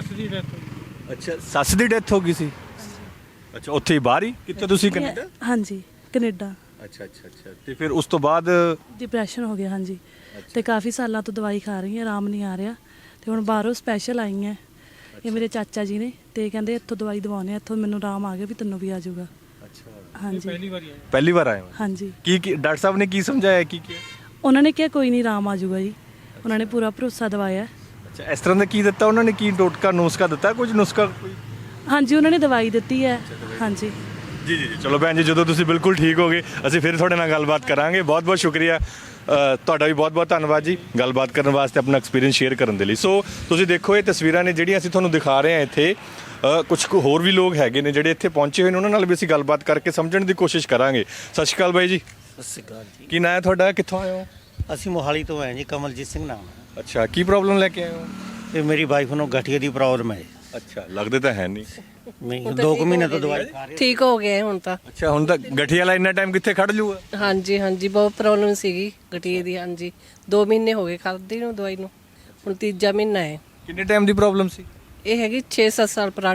ਅੱਛਾ ਸੱਸ ਦੀ ਡੈਥ ਹੋ ਗਈ ਸੀ ਅੱਛਾ ਉੱਥੇ ਹੀ ਬਾਹਰ ਹੀ ਕਿੱਥੇ ਤੁਸੀਂ ਕੈਨੇਡਾ ਹਾਂਜੀ ਕੈਨੇਡਾ ਅੱਛਾ ਤੇ ਫਿਰ ਉਸ ਤੋਂ ਬਾਅਦ ਡਿਪਰੈਸ਼ਨ ਹੋ ਗਿਆ ਹਾਂਜੀ ਤੇ ਕਾਫੀ ਸਾਲਾਂ ਤੋਂ ਦਵਾਈ ਖਾ ਰਹੀ ਹਾਂ ਆਰਾਮ ਨਹੀਂ ਆ ਰਿਹਾ ਤੇ ਹੁਣ ਬਾਹਰੋਂ ਸਪੈਸ਼ਲ ਆਈ ਹੈ ਇਹ ਮੇਰੇ ਚਾਚਾ ਜੀ ਨੇ ਤੇ ਕਹਿੰਦੇ ਇੱਥੋਂ ਦਵਾਈ ਦਵਾਉਣੇ ਆ ਇੱਥੋਂ ਮੈਨੂੰ ਆਰਾਮ ਆ ਗਿਆ ਵੀ ਤੈਨੂੰ ਵੀ ਆ ਜਾਊਗਾ ਅੱਛਾ ਹਾਂਜੀ ਪਹਿਲੀ ਵਾਰ ਆਏ ਹੋ ਹਾਂਜੀ ਕੀ ਡਾਕਟਰ ਸਾਹਿਬ ਨੇ ਕੀ ਸਮਝਾਇਆ ਕੀ ਉਹਨਾਂ ਨੇ ਕਿਹਾ ਕੋਈ ਨਹੀਂ ਆਰਾਮ ਆ ਜਾਊਗਾ ਜੀ ਉਹਨਾਂ ਨੇ ਪੂਰਾ ਭਰੋਸਾ ਦਿਵਾਇਆ ਅੱਛਾ ਇਸ ਤਰ੍ਹਾਂ ਦਾ ਕੀ ਦਿੱਤਾ ਉਹਨਾਂ ਨੇ ਕੀ ਟੋਟਕਾ ਨੁਸਖਾ ਦਿੱਤਾ ਕੁਝ ਨੁਸਖਾ ਕੋਈ ਹਾਂਜੀ ਉਹਨਾਂ ਨੇ ਦਵਾਈ ਦਿੱਤੀ ਹੈ ਹਾਂਜੀ ਜੀ ਚਲੋ ਭੈਣ ਜੀ ਜਦੋਂ ਤੁਸੀਂ ਬਿਲਕੁਲ ਠੀਕ ਹੋ ਗਏ ਅਸੀਂ ਫਿਰ ਤੁਹਾਡੇ ਨਾਲ ਗੱਲਬਾਤ ਕਰਾਂਗੇ ਬਹੁਤ ਬਹੁਤ ਸ਼ੁਕਰੀਆ ਤੁਹਾਡਾ ਵੀ ਬਹੁਤ ਬਹੁਤ ਧੰਨਵਾਦ ਜੀ ਗੱਲਬਾਤ ਕਰਨ ਵਾਸਤੇ ਆਪਣਾ ਐਕਸਪੀਰੀਅੰਸ ਸ਼ੇਅਰ ਕਰਨ ਦੇ ਲਈ ਸੋ ਤੁਸੀਂ ਦੇਖੋ ਇਹ ਤਸਵੀਰਾਂ ਨੇ ਜਿਹੜੀਆਂ ਅਸੀਂ ਤੁਹਾਨੂੰ ਦਿਖਾ ਰਹੇ ਹਾਂ ਇੱਥੇ ਕੁਝ ਹੋਰ ਵੀ ਲੋਕ ਹੈਗੇ ਨੇ ਜਿਹੜੇ ਇੱਥੇ ਪਹੁੰਚੇ ਹੋਏ ਨੇ ਉਹਨਾਂ ਨਾਲ ਵੀ ਅਸੀਂ ਗੱਲਬਾਤ ਕਰਕੇ ਸਮਝਣ ਦੀ ਕੋਸ਼ਿਸ਼ ਕਰਾਂਗੇ ਸਤਿ ਸ਼੍ਰੀ ਅਕਾਲ ਬਾਈ ਜੀ ਸਤਿ ਸ਼੍ਰੀ ਅਕਾਲ ਜੀ ਕੀ ਨਾਂ ਹੈ ਤੁਹਾਡਾ ਕਿੱਥੋਂ ਆਏ ਹੋ ਅਸੀਂ ਮੋਹਾਲੀ ਤੋਂ ਆਏ ਜੀ ਕਮਲਜੀਤ ਸਿੰਘ ਨਾਮ ਹੈ ਅੱਛਾ ਕੀ ਪ੍ਰੋਬਲਮ ਲੈ ਕੇ ਆਏ ਹੋ ਤੇ ਮੇਰੀ ਵਾਈਫ ਨੂੰ ਗਠੀਏ ਦੀ ਪ੍ਰੋਬਲਮ ਹੈ ਅੱਛਾ ਲੱਗਦੇ ਤਾਂ ਹੈ ਨਹੀਂ ਨਹੀਂ 2 ਮਹੀਨੇ ਤੋਂ ਦਵਾਈ ਖਾ ਰਹੀ ਠੀਕ ਹੋ ਗਿਆ ਹੁਣ ਤਾਂ ਅੱਛਾ ਹੁਣ ਤਾਂ ਗਠੀਆ ਵਾਲਾ ਇੰਨਾ ਟਾਈਮ ਕਿੱਥੇ ਖੜ ਜੂਗਾ ਹਾਂਜੀ ਬਹੁਤ ਪ੍ਰੋਬਲਮ ਸੀਗੀ ਗਠੀਏ ਦੀ ਹਾਂਜੀ 2 ਮਹੀਨੇ ਹੋ ਗਏ ਖਾਦੀ ਨੂੰ ਦਵਾਈ ਨੂੰ ਹੁਣ ਤੀਜਾ ਮਹੀਨਾ ਹੈ ਕਿੰਨੇ ਟਾਈਮ ਦੀ ਪ੍ਰੋਬਲਮ ਸੀ ਇਹ ਹੈਗੀ 6-7 ਸਾਲ ਪੁਰਾਣੀ ਹੈ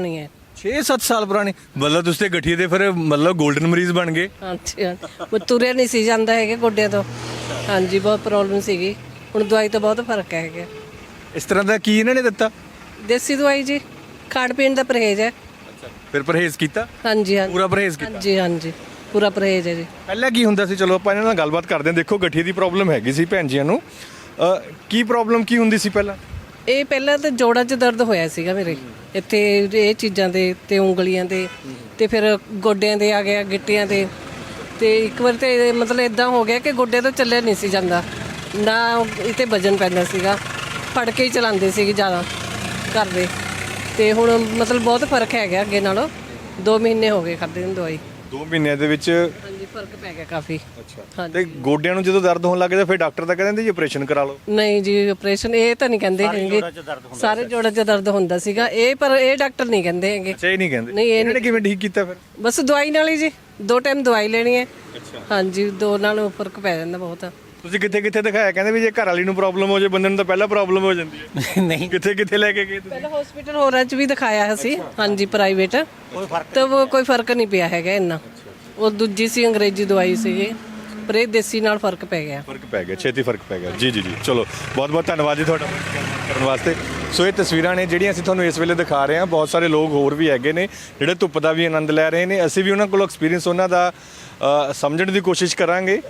6-7 ਸਾਲ ਪੁਰਾਣੀ, ਮਤਲਬ ਤੁਸੀਂ ਤੇ ਗਠੀਏ ਦੇ ਫਿਰ ਮਤਲਬ 골ਡਨ ਮਰੀਜ਼ ਬਣ ਗਏ। ਹਾਂਜੀ ਹਾਂ, ਉਹ ਤੁਰਿਆ ਨਹੀਂ ਸੀ ਜਾਂਦਾ ਹੈਗੇ ਗੋਡਿਆਂ ਤੋਂ। ਹਾਂਜੀ ਬਹੁਤ ਪ੍ਰੋਬਲਮ ਸੀਗੀ, ਹੁਣ ਦਵਾਈ ਤੋਂ ਬਹੁਤ ਫਰਕ ਹੈਗਾ। ਇਸ ਤਰ੍ਹਾਂ ਦਾ ਕੀ ਇਹਨਾਂ ਨੇ ਦਿੱਤਾ? ਦੇਸੀ ਦਵਾਈ ਜੀ, ਖਾਣ ਪੀਣ ਦਾ ਪਰਹੇਜ਼ ਹੈ। ਫਿਰ ਪਰਹੇਜ਼ ਕੀਤਾ? ਹਾਂਜੀ ਹਾਂਜੀ ਪੂਰਾ ਪਰਹੇਜ਼ ਕੀਤਾ? ਹਾਂਜੀ ਹਾਂਜੀ ਪੂਰਾ ਪਰਹੇਜ਼ ਹੈ ਜੀ। ਪਹਿਲਾਂ ਕੀ ਹੁੰਦਾ ਸੀ? ਚਲੋ ਆਪਾਂ ਇਹਨਾਂ ਨਾਲ ਗੱਲਬਾਤ ਕਰਦੇ ਹਾਂ। ਦੇਖੋ ਗਠੀਏ ਦੀ ਪ੍ਰੋਬਲਮ ਹੈਗੀ ਸੀ ਭੈਣ ਜੀਆਂ ਨੂੰ, ਕੀ ਪ੍ਰੋਬਲਮ ਕੀ ਹੁੰਦੀ ਸੀ ਪਹਿਲਾਂ? ਇਹ ਪਹਿਲਾਂ ਤਾਂ ਜੋੜਾਂ 'ਚ ਦਰਦ ਹੋਇਆ ਸੀਗਾ ਮੇਰੇ, ਇੱਥੇ ਇਹ ਚੀਜ਼ਾਂ ਦੇ ਤੇ ਉਂਗਲੀਆਂ ਦੇ, ਤੇ ਫਿਰ ਗੋਡਿਆਂ ਦੇ ਆ ਗਿਆ, ਗਿੱਟਿਆਂ ਦੇ। ਤੇ ਇੱਕ ਵਾਰ ਤੇ ਮਤਲਬ ਇਦਾਂ ਹੋ ਗਿਆ ਕਿ ਗੋਡੇ ਤੋਂ ਚੱਲਿਆ ਨਹੀਂ ਸੀ ਜਾਂਦਾ, ਨਾ ਇਹ 'ਤੇ ਵਜਨ ਪੈਂਦਾ ਸੀਗਾ, ਫੜ ਕੇ ਹੀ ਚਲਾਉਂਦੇ ਸੀਗੇ ਜ਼ਿਆਦਾ ਕਰਦੇ। ਤੇ ਹੁਣ ਮਤਲਬ ਬਹੁਤ ਫਰਕ ਹੈਗਾ ਅੱਗੇ ਨਾਲੋਂ। 2 ਮਹੀਨੇ ਹੋ ਗਏ ਖਾਦੇ ਨੂੰ ਦਵਾਈ। 2 ਮਹੀਨਿਆਂ ਦੇ ਵਿੱਚ? ਹਾਂਜੀ ਫਰਕ ਪੈ ਗਿਆ ਕਾਫੀ। ਅੱਛਾ। ਤੇ ਗੋਡਿਆਂ ਨੂੰ ਜਦੋਂ ਦਰਦ ਹੋਣ ਲੱਗ ਜਾਂਦਾ ਫਿਰ ਡਾਕਟਰ ਤਾਂ ਕਹਿੰਦੇ ਜੀ ਆਪਰੇਸ਼ਨ ਕਰਾ ਲਓ? ਨਹੀਂ ਜੀ ਆਪਰੇਸ਼ਨ ਇਹ ਤਾਂ ਨਹੀਂ ਕਹਿੰਦੇ ਹੈਗੇ, ਸਾਰੇ ਜੋੜਾਂ 'ਚ ਦਰਦ ਹੁੰਦਾ ਸੀਗਾ ਇਹ, ਪਰ ਇਹ ਡਾਕਟਰ ਨਹੀਂ ਕਹਿੰਦੇ ਹੈਗੇ। ਅੱਛਾ, ਇਹ ਨਹੀਂ ਕਹਿੰਦੇ? ਨਹੀਂ, ਇਹਨਾਂ ਨੇ ਕਿਵੇਂ ਠੀਕ ਕੀਤਾ ਫਿਰ? ਬਸ ਦਵਾਈ ਨਾਲ ਹੀ ਜੀ, 2 ਟਾਈਮ ਦਵਾਈ ਲੈਣੀ ਹੈ। ਹਾਂਜੀ 2 ਨਾਲ ਫਰਕ ਪੈ ਜਾਂਦਾ ਬਹੁਤ। ਤੁਸੀਂ ਕਿੱਥੇ ਕਿੱਥੇ ਦਿਖਾਇਆ? ਕਹਿੰਦੇ ਵੀ ਜੇ ਘਰ ਵਾਲੀ ਨੂੰ ਪ੍ਰੋਬਲਮ ਹੋ ਜਾਏ ਬੰਦੇ ਨੂੰ ਤਾਂ ਪਹਿਲਾਂ ਪ੍ਰੋਬਲਮ ਹੋ ਜਾਂਦੀ ਹੈ। ਨਹੀਂ, ਕਿੱਥੇ ਕਿੱਥੇ ਲੈ ਕੇ ਗਏ ਤੁਸੀਂ? ਪਹਿਲਾਂ ਹਸਪੀਟਲ ਹੋਰਾਂ 'ਚ ਵੀ ਦਿਖਾਇਆ ਅਸੀਂ, ਹਾਂਜੀ ਪ੍ਰਾਈਵੇਟ, ਤਾਂ ਉਹ ਕੋਈ ਫਰਕ ਨਹੀਂ ਪਿਆ ਹੈਗਾ ਇੰਨਾ। ਉਹ ਦੂਜੀ ਸੀ ਅੰਗਰੇਜ਼ੀ ਦਵਾਈ ਸੀਗੀ, ਪਰ ਇਹ ਦੇਸੀ ਨਾਲ ਫਰਕ ਪੈ ਗਿਆ। ਫਰਕ ਪੈ ਗਿਆ, ਛੇਤੀ ਫਰਕ ਪੈ ਗਿਆ। ਜੀ ਜੀ ਜੀ, ਚਲੋ ਬਹੁਤ ਬਹੁਤ ਧੰਨਵਾਦ ਜੀ ਤੁਹਾਡਾ ਕਰਨ ਵਾਸਤੇ। ਸੋ ਇਹ ਤਸਵੀਰਾਂ ਨੇ ਜਿਹੜੀਆਂ ਅਸੀਂ ਤੁਹਾਨੂੰ ਇਸ ਵੇਲੇ ਦਿਖਾ ਰਹੇ ਹਾਂ। ਬਹੁਤ ਸਾਰੇ ਲੋਕ ਹੋਰ ਵੀ ਹੈਗੇ ਨੇ ਜਿਹੜੇ ਧੁੱਪ ਦਾ ਵੀ ਆਨੰਦ ਲੈ ਰਹੇ ਨੇ। ਅਸੀਂ ਵੀ ਉਹਨਾਂ ਕੋਲ ਐਕਸਪੀਰੀਅੰਸ ਉਹਨਾਂ ਦਾ ਸਮਝਣ ਦੀ ਕੋਸ਼ਿਸ਼ ਕਰਾਂਗੇ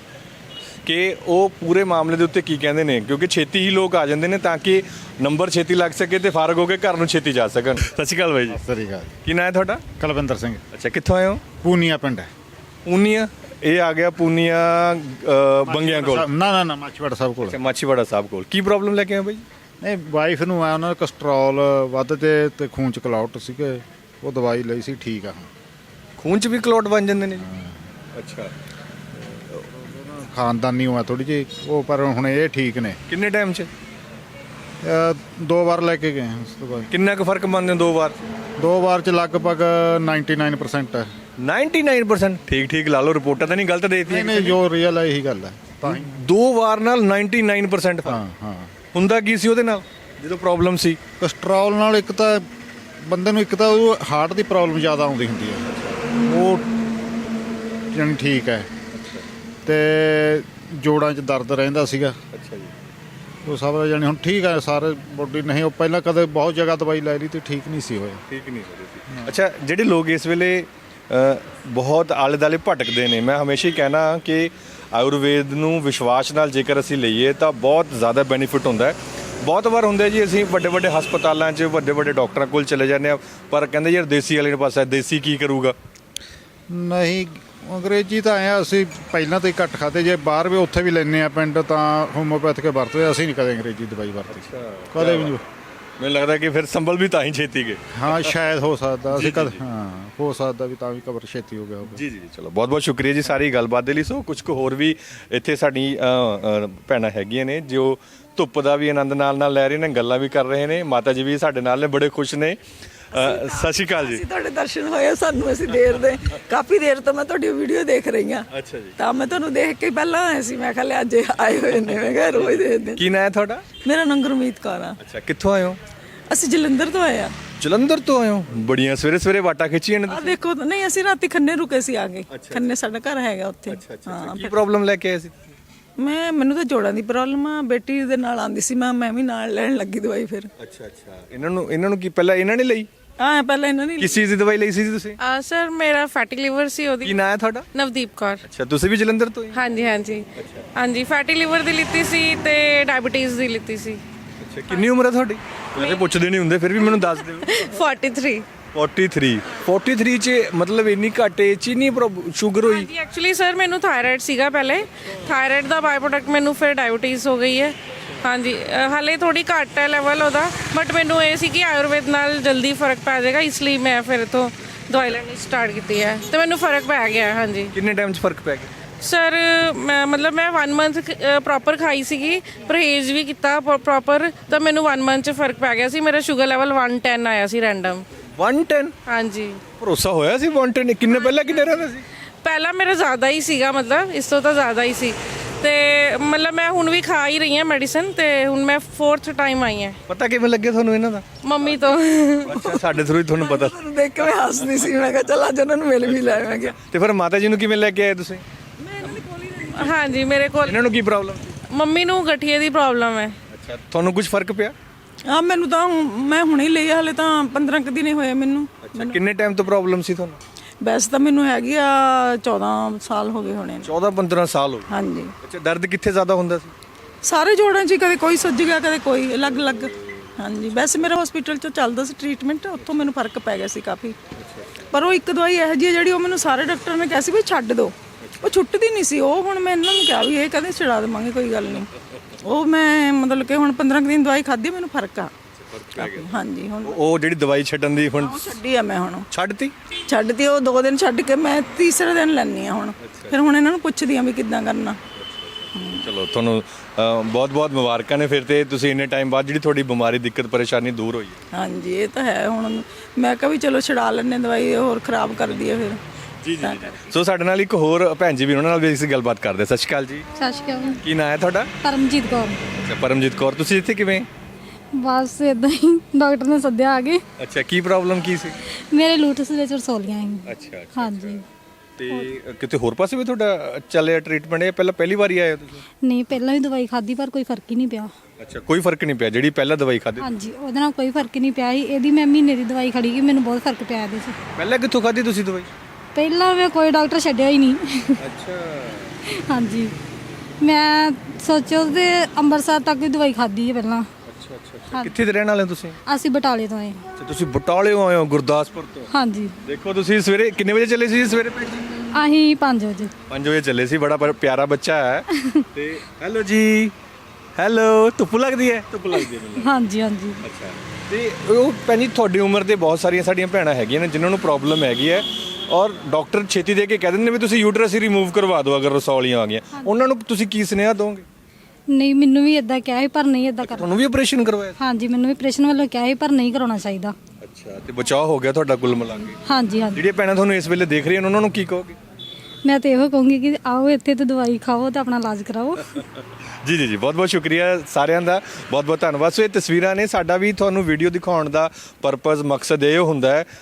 ਕਿ ਉਹ ਪੂਰੇ ਮਾਮਲੇ ਦੇ ਉੱਤੇ ਕੀ ਕਹਿੰਦੇ ਨੇ, ਕਿਉਂਕਿ ਛੇਤੀ ਹੀ ਲੋਕ ਆ ਜਾਂਦੇ ਨੇ ਤਾਂ ਕਿ ਨੰਬਰ ਛੇਤੀ ਲੱਗ ਸਕੇ ਤੇ ਫਾਰਗ ਹੋ ਕੇ ਘਰ ਨੂੰ ਛੇਤੀ ਜਾ ਸਕਣ। ਸਤਿ ਸ਼੍ਰੀ ਅਕਾਲ ਬਾਈ ਜੀ। ਸਤਿ ਸ਼੍ਰੀ ਅਕਾਲ। ਕੀ ਨਾਂ ਹੈ ਤੁਹਾਡਾ? ਕੁਲਵਿੰਦਰ ਸਿੰਘ। ਅੱਛਾ, ਕਿੱਥੋਂ ਆਏ ਹੋ? ਪੂਨੀਆ ਪਿੰਡ ਹੈ। ਪੂਨੀਆ? ਇਹ ਆ ਗਿਆ ਪੂਨੀਆ ਬੰਗਿਆਂ ਕੋਲ? ਨਾ ਮਾਛੀਵਾੜਾ ਸਾਹਿਬ ਕੋਲ। ਅੱਛਾ, ਮਾਛੀਵਾੜਾ ਸਾਹਿਬ ਕੋਲ। ਕੀ ਪ੍ਰੋਬਲਮ ਲੈ ਕੇ ਆਏ ਬਾਈ? ਨਹੀਂ, ਵਾਈਫ ਨੂੰ ਆ, ਉਹਨਾਂ ਦਾ ਕੋਲੇਸਟ੍ਰੋਲ ਵੱਧ ਤੇ ਖੂਨ ਚ ਕਲੌਟ ਸੀਗੇ, ਉਹ ਦਵਾਈ ਲਈ ਸੀ, ਠੀਕ ਆ ਹੁਣ। ਖੂਨ ਚ ਵੀ ਕਲੌਟ ਬਣ ਜਾਂਦੇ ਨੇ? ਅੱਛਾ। ਖਾਨਦਾਨੀ ਹੋਇਆ ਥੋੜੀ ਜਿਹੀ ਉਹ, ਪਰ ਹੁਣ ਇਹ ਠੀਕ ਨੇ। ਕਿੰਨੇ ਟਾਈਮ ਚ? 2 ਵਾਰ ਲੈ ਕੇ ਗਏ ਹਾਂ ਉਸ ਤੋਂ ਬਾਅਦ। ਕਿੰਨਾ ਕੁ ਫਰਕ ਮੰਨਦੇ ਹੋ 2 ਵਾਰ? 2 ਵਾਰ ਚ ਲਗਭਗ 99% ਹੈ। 99%? ਠੀਕ ਲਾ ਲਓ, ਰਿਪੋਰਟਾਂ ਤਾਂ ਨਹੀਂ ਗਲਤ ਦੇਤੀਆਂ? ਨਹੀਂ, ਜੋ ਰੀਅਲ ਹੈ ਇਹੀ ਗੱਲ ਹੈ। ਤਾਂ 2 ਵਾਰ ਨਾਲ 99% ਫਰਕ? ਹਾਂ। ਹੁੰਦਾ ਕੀ ਸੀ ਉਹਦੇ ਨਾਲ ਜਦੋਂ ਪ੍ਰੋਬਲਮ ਸੀ? ਕੋਲੇਸਟ੍ਰੋਲ ਨਾਲ ਇੱਕ ਤਾਂ ਬੰਦੇ ਨੂੰ, ਇੱਕ ਤਾਂ ਉਹ ਹਾਰਟ ਦੀ ਪ੍ਰੋਬਲਮ ਜ਼ਿਆਦਾ ਆਉਂਦੀ ਹੁੰਦੀ ਹੈ, ਉਹ ਜਾਣੀ ਠੀਕ ਹੈ, ਤੇ ਜੋੜਾਂ 'ਚ ਦਰਦ ਰਹਿੰਦਾ ਸੀਗਾ। ਅੱਛਾ ਜੀ। ਉਹ ਸਭ ਜਾਣੀ ਹੁਣ ਠੀਕ ਹੈ ਸਾਰੇ ਬੋਡੀ। ਨਹੀਂ, ਉਹ ਪਹਿਲਾਂ ਕਦੇ ਬਹੁਤ ਜਗ੍ਹਾ ਦਵਾਈ ਲੈ ਲਈ ਤੇ ਠੀਕ ਨਹੀਂ ਸੀ ਹੋਇਆ। ਠੀਕ ਨਹੀਂ ਹੋ ਰਹੀ ਸੀ। ਅੱਛਾ, ਜਿਹੜੇ ਲੋਕ ਇਸ ਵੇਲੇ ਬਹੁਤ ਆਲੇ ਦੁਆਲੇ ਭਟਕਦੇ ਨੇ, ਮੈਂ ਹਮੇਸ਼ਾ ਹੀ ਕਹਿਣਾ ਕਿ ਆਯੁਰਵੇਦ ਨੂੰ ਵਿਸ਼ਵਾਸ ਨਾਲ ਜੇਕਰ ਅਸੀਂ ਲਈਏ ਤਾਂ ਬਹੁਤ ਜ਼ਿਆਦਾ ਬੈਨੀਫਿਟ ਹੁੰਦਾ ਹੈ। ਬਹੁਤ ਵਾਰ ਹੁੰਦਾ ਜੀ ਅਸੀਂ ਵੱਡੇ ਵੱਡੇ ਹਸਪਤਾਲਾਂ 'ਚ ਵੱਡੇ ਵੱਡੇ ਡਾਕਟਰਾਂ ਕੋਲ ਚਲੇ ਜਾਂਦੇ ਆ, ਪਰ ਕਹਿੰਦੇ ਯਾਰ ਦੇਸੀ ਵਾਲੇ ਪਾਸੇ ਦੇਸੀ ਕੀ ਕਰੂਗਾ? ਨਹੀਂ, ਅੰਗਰੇਜ਼ੀ ਤਾਂ ਆਇਆ, ਅਸੀਂ ਪਹਿਲਾਂ ਤਾਂ ਹੀ ਘੱਟ ਖਾਦੇ, ਜੇ ਬਾਹਰ ਵੀ ਉੱਥੇ ਵੀ ਲੈਂਦੇ ਆ ਪਿੰਡ ਤਾਂ ਹੋਮੋਪੈਥਿਕ ਵਰਤਦੇ, ਅਸੀਂ ਨਹੀਂ ਕਦੇ ਅੰਗਰੇਜ਼ੀ ਦਵਾਈ ਵਰਤੀ, ਕਦੇ ਵੀ ਨਹੀਂ। ਮੈਨੂੰ ਲੱਗਦਾ ਕਿ ਫਿਰ ਸੰਭਲ ਵੀ ਤਾਂ ਹੀ ਛੇਤੀ ਗਏ। ਹਾਂ ਸ਼ਾਇਦ ਹੋ ਸਕਦਾ, ਅਸੀਂ ਕਦੇ ਹੋ ਸਕਦਾ ਵੀ ਤਾਂ ਵੀ ਕਵਰ ਛੇਤੀ ਹੋ ਗਿਆ ਹੋਵੇ। ਜੀ ਜੀ, ਚਲੋ ਬਹੁਤ ਬਹੁਤ ਸ਼ੁਕਰੀਆ ਜੀ ਸਾਰੀ ਗੱਲਬਾਤ ਦੇ ਲਈ। ਸੋ ਕੁਝ ਕੁ ਹੋਰ ਵੀ ਇੱਥੇ ਸਾਡੀ ਭੈਣਾਂ ਹੈਗੀਆਂ ਨੇ ਜੋ ਧੁੱਪ ਦਾ ਵੀ ਆਨੰਦ ਨਾਲ ਲੈ ਰਹੇ ਨੇ, ਗੱਲਾਂ ਵੀ ਕਰ ਰਹੇ ਨੇ। ਮਾਤਾ ਜੀ ਵੀ ਸਾਡੇ ਨਾਲ ਨੇ, ਬੜੇ ਖੁਸ਼ ਨੇ। ਸਤਿ ਸ਼੍ਰੀ ਅਕਾਲ ਜੀ। ਤੁਹਾਡੇ ਦਰਸ਼ਨ ਹੋਏ ਸਾਨੂੰ, ਅਸੀਂ ਦੇਰ ਦੇ ਕਾਫੀ ਦੇਰ ਤੋਂ ਮੈਂ ਤੁਹਾਡੀ ਵੀਡੀਓ ਦੇਖ ਰਹੀ ਹਾਂ। ਅੱਛਾ ਜੀ। ਤਾਂ ਮੈਂ ਤੁਹਾਨੂੰ ਦੇਖ ਕੇ ਪਹਿਲਾਂ ਆਇਆ ਸੀ, ਮੈਂ ਕਿਹਾ ਅੱਜ ਆਏ ਹੋਏ ਨੇ, ਮੈਂ ਕਿਹਾ ਰੋਜ਼ ਦੇਖਦੇ। ਕੀ ਨਾਂ ਹੈ ਤੁਹਾਡਾ? ਮੇਰਾ ਨਾਮ ਗੁਰਮੀਤ ਕੌਰ ਆ। ਅੱਛਾ, ਕਿੱਥੋਂ ਆਏ ਹੋ? ਅਸੀਂ ਜਲੰਧਰ ਤੋਂ ਆਏ ਆ। ਜਲੰਧਰ ਤੋਂ ਆਏ ਹੋ? ਬੜੀਆਂ ਸਵੇਰੇ ਸਵੇਰੇ ਵਾਟਾ ਖਿੱਚੀਆਂ ਨੇ। ਆ ਦੇਖੋ, ਨਹੀਂ ਅਸੀਂ ਰਾਤੀ ਖੰਨੇ ਰੁਕੇ ਸੀ ਆ ਕੇ। ਖੰਨੇ ਸਾਡਾ ਘਰ ਹੈਗਾ ਉੱਥੇ। ਹਾਂ, ਕੀ ਪ੍ਰੋਬਲਮ ਲੈ ਕੇ ਆਏ ਸੀ? ਮੈਨੂੰ ਤਾਂ ਜੋੜਾਂ ਦੀ ਪ੍ਰੋਬਲਮ ਆ, ਬੇਟੀ ਦੇ ਨਾਲ ਆਂਦੀ ਸੀ, ਮੈਂ ਵੀ ਨਾਲ ਲੈਣ ਲੱਗੀ ਦਵਾਈ ਫਿਰ। ਅੱਛਾ। ਇਹਨਾਂ ਨੂੰ ਕੀ ਪਹਿਲਾਂ ਇਹਨਾਂ ਨੇ ਲਈ? ਹਾਂ, ਪਹਿਲਾਂ ਇਹਨਾਂ ਨੇ। ਕਿਸ ਚੀਜ਼ ਦੀ ਦਵਾਈ ਲਈ ਸੀ ਤੁਸੀਂ? ਸਰ ਮੇਰਾ ਫੈਟੀ ਲਿਵਰ ਸੀ ਉਹਦੀ। ਕੀ ਨਾਂ ਹੈ ਤੁਹਾਡਾ? ਨਵਦੀਪ ਕੌਰ। ਅੱਛਾ, ਤੁਸੀਂ ਵੀ ਜਲੰਧਰ ਤੋਂ ਹੀ? ਹਾਂਜੀ ਫੈਟੀ ਲਿਵਰ ਦੀ ਲਿੱਤੀ ਸੀ ਤੇ ਡਾਇਬੀਟੀਜ਼ ਦੀ ਲਿੱਤੀ ਸੀ। ਅੱਛਾ, ਕਿੰਨੀ ਉਮਰ ਹੈ ਤੁਹਾਡੀ? ਵੈਸੇ ਪੁੱਛਦੇ ਨਹੀਂ ਹੁੰਦੇ, ਫਿਰ ਵੀ ਮੈਨੂੰ ਦੱਸ ਦਿਓ। 43 43 ਚ ਮਤਲਬ ਇੰਨੀ ਘੱਟ ਏਜ ਚ ਨਹੀਂ ਸ਼ੂਗਰ ਹੋਈ? ਹਾਂਜੀ, ਐਕਚੁਅਲੀ ਸਰ ਮੈਨੂੰ ਥਾਇਰਾਇਡ ਸੀਗਾ ਪਹਿਲੇ, ਥਾਇਰਾਇਡ ਦਾ ਬਾਈ ਪ੍ਰੋਡਕਟ ਮੈਨੂੰ ਫਿਰ ਡਾਇਬੀਟੀਜ਼ ਹੋ ਗਈ ਹੈ। ਹਾਂਜੀ, ਹਾਲੇ ਥੋੜੀ ਘੱਟ ਹੈ ਲੈਵਲ ਉਹਦਾ, ਬਟ ਮੈਨੂੰ ਇਹ ਸੀ ਕਿ ਆਯੁਰਵੇਦ ਨਾਲ ਜਲਦੀ ਫਰਕ ਪੈ ਜਾਏਗਾ, ਇਸ ਲਈ ਮੈਂ ਫਿਰ ਤੋਂ ਦਵਾਈ ਲੈਣੀ ਸਟਾਰਟ ਕੀਤੀ ਹੈ ਤੇ ਮੈਨੂੰ ਫਰਕ ਪੈ ਗਿਆ। ਹਾਂਜੀ। ਕਿੰਨੇ ਟਾਈਮ 'ਚ ਫਰਕ ਪੈ ਗਿਆ? ਸਰ ਮੈਂ 1 ਮੰਥ ਪ੍ਰੋਪਰ ਖਾਈ ਸੀਗੀ, ਪਰਹੇਜ਼ ਵੀ ਕੀਤਾ ਪ੍ਰੋਪਰ, ਤਾਂ ਮੈਨੂੰ 1 ਮੰਥ 'ਚ ਫਰਕ ਪੈ ਗਿਆ ਸੀ। ਮੇਰਾ ਸ਼ੂਗਰ ਲੈਵਲ 110 ਆਇਆ ਸੀ ਰੈਂਡਮ। 110? ਹਾਂਜੀ। ਭਰੋਸਾ ਹੋਇਆ ਸੀ 110? ਕਿੰਨੇ ਪਹਿਲਾਂ ਕਿੰਨੇ ਰਹਿੰਦਾ ਸੀ? ਪਹਿਲਾਂ ਮੇਰਾ ਜ਼ਿਆਦਾ ਹੀ ਸੀਗਾ, ਮਤਲਬ ਇਸ ਤੋਂ ਤਾਂ ਜ਼ਿਆਦਾ ਹੀ ਸੀ, ਤੇ ਮਤਲਬ ਮੈਂ ਹੁਣ ਵੀ ਖਾ ਹੀ ਰਹੀ ਹਾਂ ਮੈਡੀਸਨ ਤੇ ਹੁਣ ਮੈਂ 4th ਟਾਈਮ ਆਈ ਹਾਂ ਪਤਾ ਕਿਵੇਂ ਲੱਗਿਆ ਤੁਹਾਨੂੰ ਇਹਨਾਂ ਦਾ? ਮੰਮੀ ਤੋਂ। ਅੱਛਾ, ਸਾਡੇ ਥਰੂ ਹੀ ਤੁਹਾਨੂੰ ਪਤਾ। ਤੁਹਾਨੂੰ ਦੇਖ ਕੇ ਮੈਂ ਹੱਸਦੀ ਸੀ, ਮੈਂ ਕਿਹਾ ਚੱਲ ਅੱਜ ਉਹਨਾਂ ਨੂੰ ਮਿਲ ਵੀ ਲੈ ਮੈਂ ਕਿਹਾ। ਤੇ ਫਿਰ ਮਾਤਾ ਜੀ ਨੂੰ ਕਿਵੇਂ ਲੈ ਕੇ ਆਏ ਤੁਸੀਂ? ਹਾਂਜੀ ਮੇਰੇ ਕੋਲ ਇਹਨਾਂ ਨੂੰ ਕੀ ਪ੍ਰੋਬਲਮ ਸੀ? ਮੰਮੀ ਨੂੰ ਗਠੀਏ ਦੀ ਪ੍ਰੋਬਲਮ ਹੈ। ਅੱਛਾ, ਤੁਹਾਨੂੰ ਕੁਝ ਫਰਕ ਪਿਆ? ਆ ਮੈਨੂੰ ਤਾਂ ਮੈਂ ਹੁਣੇ ਲਈ ਆ, ਹਲੇ ਤਾਂ 15 ਕੁ ਦਿਨ ਹੀ ਹੋਏ ਮੈਨੂੰ। ਅੱਛਾ, ਕਿੰਨੇ ਟਾਈਮ ਤੋਂ ਪ੍ਰੋਬਲਮ ਸੀ ਤੁਹਾਨੂੰ? ਵੈਸੇ ਤਾਂ ਮੈਨੂੰ ਹੈਗੀ ਆ 14 ਸਾਲ ਹੋ ਗਏ ਹੋਣੇ ਨੇ। 14-15 ਸਾਲ ਹੋ ਗਏ। ਹਾਂਜੀ। ਅੱਛਾ, ਦਰਦ ਕਿੱਥੇ ਜ਼ਿਆਦਾ ਹੁੰਦਾ ਸੀ? ਸਾਰੇ ਜੋੜਾਂ 'ਚ ਹੀ, ਕਦੇ ਕੋਈ ਸੁੱਜ ਗਿਆ ਕਦੇ ਕੋਈ ਅਲੱਗ-ਅਲੱਗ। ਹਾਂਜੀ, ਵੈਸੇ ਮੇਰਾ ਹਸਪੀਟਲ 'ਚ ਚੱਲਦਾ ਸੀ ਟ੍ਰੀਟਮੈਂਟ, ਉੱਥੋਂ ਮੈਨੂੰ ਫਰਕ ਪੈ ਗਿਆ ਸੀ ਕਾਫੀ। ਪਰ ਉਹ ਇੱਕ ਦਵਾਈ ਇਹੋ ਜਿਹੀ ਹੈ ਜਿਹੜੀ ਉਹ ਮੈਨੂੰ ਸਾਰੇ ਡਾਕਟਰ ਨੇ ਕਿਹਾ ਸੀ ਵੀ ਛੱਡ ਦਿਓ, ਉਹ ਛੁੱਟਦੀ ਨਹੀਂ ਸੀ। ਉਹ ਹੁਣ ਮੈਂ ਇਹਨਾਂ ਨੂੰ ਕਿਹਾ ਵੀ ਇਹ ਕਹਿੰਦੇ ਛਡਾ ਦੇਵਾਂਗੇ, ਕੋਈ ਗੱਲ ਨਹੀਂ। ਉਹ ਮੈਂ ਮਤਲਬ ਕਿ ਹੁਣ 15 ਕੁ ਦਿਨ ਦਵਾਈ ਖਾਧੀ, ਮੈਨੂੰ ਫਰਕ ਆ। ਹਾਂਜੀ, ਹੁਣ ਉਹ ਜਿਹੜੀ ਦਵਾਈ ਛੱਡਣ ਦੀ ਹੁਣ ਛੱਡੀ ਆ ਮੈਂ। ਹੁਣ ਛੱਡਤੀ ਉਹ 2 ਦਿਨ ਛੱਡ ਕੇ ਮੈਂ ਤੀਸਰੇ ਦਿਨ ਲੈਣੀ ਆ ਹੁਣ। ਫਿਰ ਹੁਣ ਇਹਨਾਂ ਨੂੰ ਪੁੱਛਦੀ ਆ ਵੀ ਕਿੱਦਾਂ ਕਰਨਾ। ਚਲੋ, ਤੁਹਾਨੂੰ ਬਹੁਤ-ਬਹੁਤ ਮੁਬਾਰਕਾਂ ਨੇ ਫਿਰ ਤੇ ਤੁਸੀਂ ਇੰਨੇ ਟਾਈਮ ਬਾਅਦ ਜਿਹੜੀ ਤੁਹਾਡੀ ਬਿਮਾਰੀ ਦਿੱਕਤ ਪਰੇਸ਼ਾਨੀ ਦੂਰ ਹੋਈ ਹੈ। ਹਾਂਜੀ, ਇਹ ਤਾਂ ਹੈ। ਹੁਣ ਮੈਂ ਕਿਹਾ ਵੀ ਚਲੋ ਛਡਾ ਲੈਣੇ ਦਵਾਈ, ਹੋਰ ਖਰਾਬ ਕਰਦੀ ਹੈ ਫਿਰ। ਜੀ। ਸੋ ਸਾਡੇ ਨਾਲ ਇੱਕ ਹੋਰ ਭੈਣ ਜੀ ਵੀ, ਉਹਨਾਂ ਨਾਲ ਵੀ ਅਸੀਂ ਗੱਲਬਾਤ ਕਰਦੇ। ਸਤਿ ਸ਼੍ਰੀ ਅਕਾਲ ਜੀ। ਸਤਿ ਸ਼੍ਰੀ ਅਕਾਲ। ਕੀ ਨਾਂ ਹੈ ਤੁਹਾਡਾ? ਪਰਮਜੀਤ ਕੌਰ। ਅੱਛਾ, ਪਰਮਜੀਤ ਕੌਰ। ਤੁਸੀਂ ਇੱਥੇ ਕਿਵੇਂ? ਬਸ ਇਦਾਂ ਹੀ ਡਾਕਟਰ ਨੇ ਸੱਦਿਆ ਆ ਗਏ। ਅੱਛਾ, ਕੀ ਪ੍ਰੋਬਲਮ ਕੀ ਸੀ? ਮੇਰੇ ਲੂਟਸ ਵਿੱਚ ਰਸੋਲੀਆਂ ਸੀ। ਅੱਛਾ। ਹਾਂਜੀ। ਤੇ ਕਿਤੇ ਹੋਰ ਪਾਸੇ ਵੀ ਤੁਹਾਡਾ ਚੱਲਿਆ ਟ੍ਰੀਟਮੈਂਟ? ਇਹ ਪਹਿਲੀ ਵਾਰੀ ਆਏ ਹੋ ਤੁਸੀਂ? ਨਹੀਂ, ਪਹਿਲਾਂ ਵੀ ਦਵਾਈ ਖਾਧੀ ਪਰ ਕੋਈ ਫਰਕ ਹੀ ਨਹੀਂ ਪਿਆ। ਅੱਛਾ, ਕੋਈ ਫਰਕ ਨਹੀਂ ਪਿਆ ਜਿਹੜੀ ਪਹਿਲਾਂ ਦਵਾਈ ਖਾਧੀ? ਹਾਂਜੀ, ਉਹਦੇ ਨਾਲ ਕੋਈ ਫਰਕ ਨਹੀਂ ਪਿਆ ਸੀ। ਇਹਦੀ ਮੈਂ ਮਹੀਨੇ ਦੀ ਦਵਾਈ ਖੜੀ ਗਈ, ਮੈਨੂੰ ਬਹੁਤ ਫਰਕ ਪਿਆ ਇਹਦੇ 'ਚ। ਪਹਿਲਾਂ ਕਿੱਥੋਂ ਖਾਧੀ ਤੁਸੀਂ ਦਵਾਈ? ਪਹਿਲਾਂ ਮੈਂ ਕੋਈ ਡਾਕਟਰ ਛੱਡਿਆ ਹੀ ਨਹੀਂ। ਅੱਛਾ। ਹਾਂਜੀ, ਮੈਂ ਸੋਚੋ ਤੇ ਅੰਮ੍ਰਿਤਸਰ ਤੱਕ ਦੀ ਦਵਾਈ ਖਾਧੀ ਹੈ ਪਹਿਲਾਂ। ਅੱਛਾ। ਕਿੱਥੇ ਦੇ ਰਹਿਣ ਵਾਲੇ ਹੋ ਤੁਸੀਂ? ਅਸੀਂ ਬਟਾਲੇ ਤੋਂ ਆਏ। ਅੱਛਾ, ਤੁਸੀਂ ਬਟਾਲਿਓਂ ਆਏ ਹੋ, ਗੁਰਦਾਸਪੁਰ ਤੋਂ? ਹਾਂਜੀ। ਦੇਖੋ, ਤੁਸੀਂ ਸਵੇਰੇ ਕਿੰਨੇ ਵਜੇ ਚੱਲੇ ਸੀ? ਸਵੇਰੇ ਅਸੀਂ 5 ਵਜੇ। 5 ਵਜੇ ਚੱਲੇ ਸੀ। ਬੜਾ ਪਿਆਰਾ ਬੱਚਾ ਹੈ। ਤੇ ਹੈਲੋ ਜੀ, ਹੈਲੋ। ਧੁੱਪ ਲੱਗਦੀ ਹੈ? ਧੁੱਪ ਲੱਗਦੀ ਹੈ ਮੈਨੂੰ। ਹਾਂਜੀ ਹਾਂਜੀ। ਅੱਛਾ। ਤੇ ਉਹ ਭੈਣ ਜੀ, ਤੁਹਾਡੀ ਉਮਰ ਦੇ ਬਹੁਤ ਸਾਰੀਆਂ ਸਾਡੀਆਂ ਭੈਣਾਂ ਹੈਗੀਆਂ ਨੇ ਜਿਨ੍ਹਾਂ ਨੂੰ ਪ੍ਰੋਬਲਮ ਹੈਗੀ ਹੈ, ਔਰ ਡਾਕਟਰ ਛੇਤੀ ਦੇ ਕੇ ਕਹਿ ਦਿੰਦੇ ਨੇ ਵੀ ਤੁਸੀਂ ਯੂਟਰਸ ਹੀ ਰਿਮੂਵ ਕਰਵਾ ਦਿਓ ਅਗਰ ਰਸੌਲੀਆਂ ਆ ਗਈਆਂ। ਉਹਨਾਂ ਨੂੰ ਤੁਸੀਂ ਕੀ ਸੁਨੇਹਾ ਦੋਗੇ? ਨਹੀਂ, ਮੈਨੂੰ ਵੀ ਇਦਾਂ ਕਿਹਾ ਸੀ ਪਰ ਨਹੀਂ ਇਦਾਂ ਕਰਨਾ। ਤੁਹਾਨੂੰ ਵੀ ਆਪਰੇਸ਼ਨ ਕਰਵਾਇਆ? ਹਾਂਜੀ, ਮੈਨੂੰ ਵੀ ਆਪਰੇਸ਼ਨ ਵੱਲੋਂ ਕਿਹਾ ਸੀ ਪਰ ਨਹੀਂ ਕਰਾਉਣਾ ਚਾਹੀਦਾ। ਅੱਛਾ। ਤੇ ਬਚਾਅ ਹੋ ਗਿਆ ਤੁਹਾਡਾ ਕੁੱਲ ਮਿਲਾ ਕੇ? ਹਾਂਜੀ ਹਾਂਜੀ। ਜਿਹੜੀਆਂ ਭੈਣਾਂ ਤੁਹਾਨੂੰ ਇਸ ਵੇਲੇ ਦੇਖ ਰਹੀਆਂ ਨੇ ਉਹਨਾਂ ਨੂੰ ਕੀ ਕਹੋਗੇ? ਮੈਂ ਤਾਂ ਇਹੋ ਕਹੂੰਗੀ ਕਿ ਆਓ ਇੱਥੇ ਤੇ ਦਵਾਈ ਖਾਓ ਤੇ ਆਪਣਾ ਇਲਾਜ ਕਰਾਓ। ਜੀ। ਬਹੁਤ ਸ਼ੁਕਰੀਆ ਸਾਰਿਆਂ ਦਾ, ਬਹੁਤ ਧੰਨਵਾਦ। ਸੋ ਇਹ ਤਸਵੀਰਾਂ ਨੇ। ਸਾਡਾ ਵੀ ਤੁਹਾਨੂੰ ਵੀਡੀਓ ਦਿਖਾਉਣ ਦਾ ਪਰਪਸ, ਮਕਸਦ ਇਹ ਹੁੰਦਾ ਹੈ।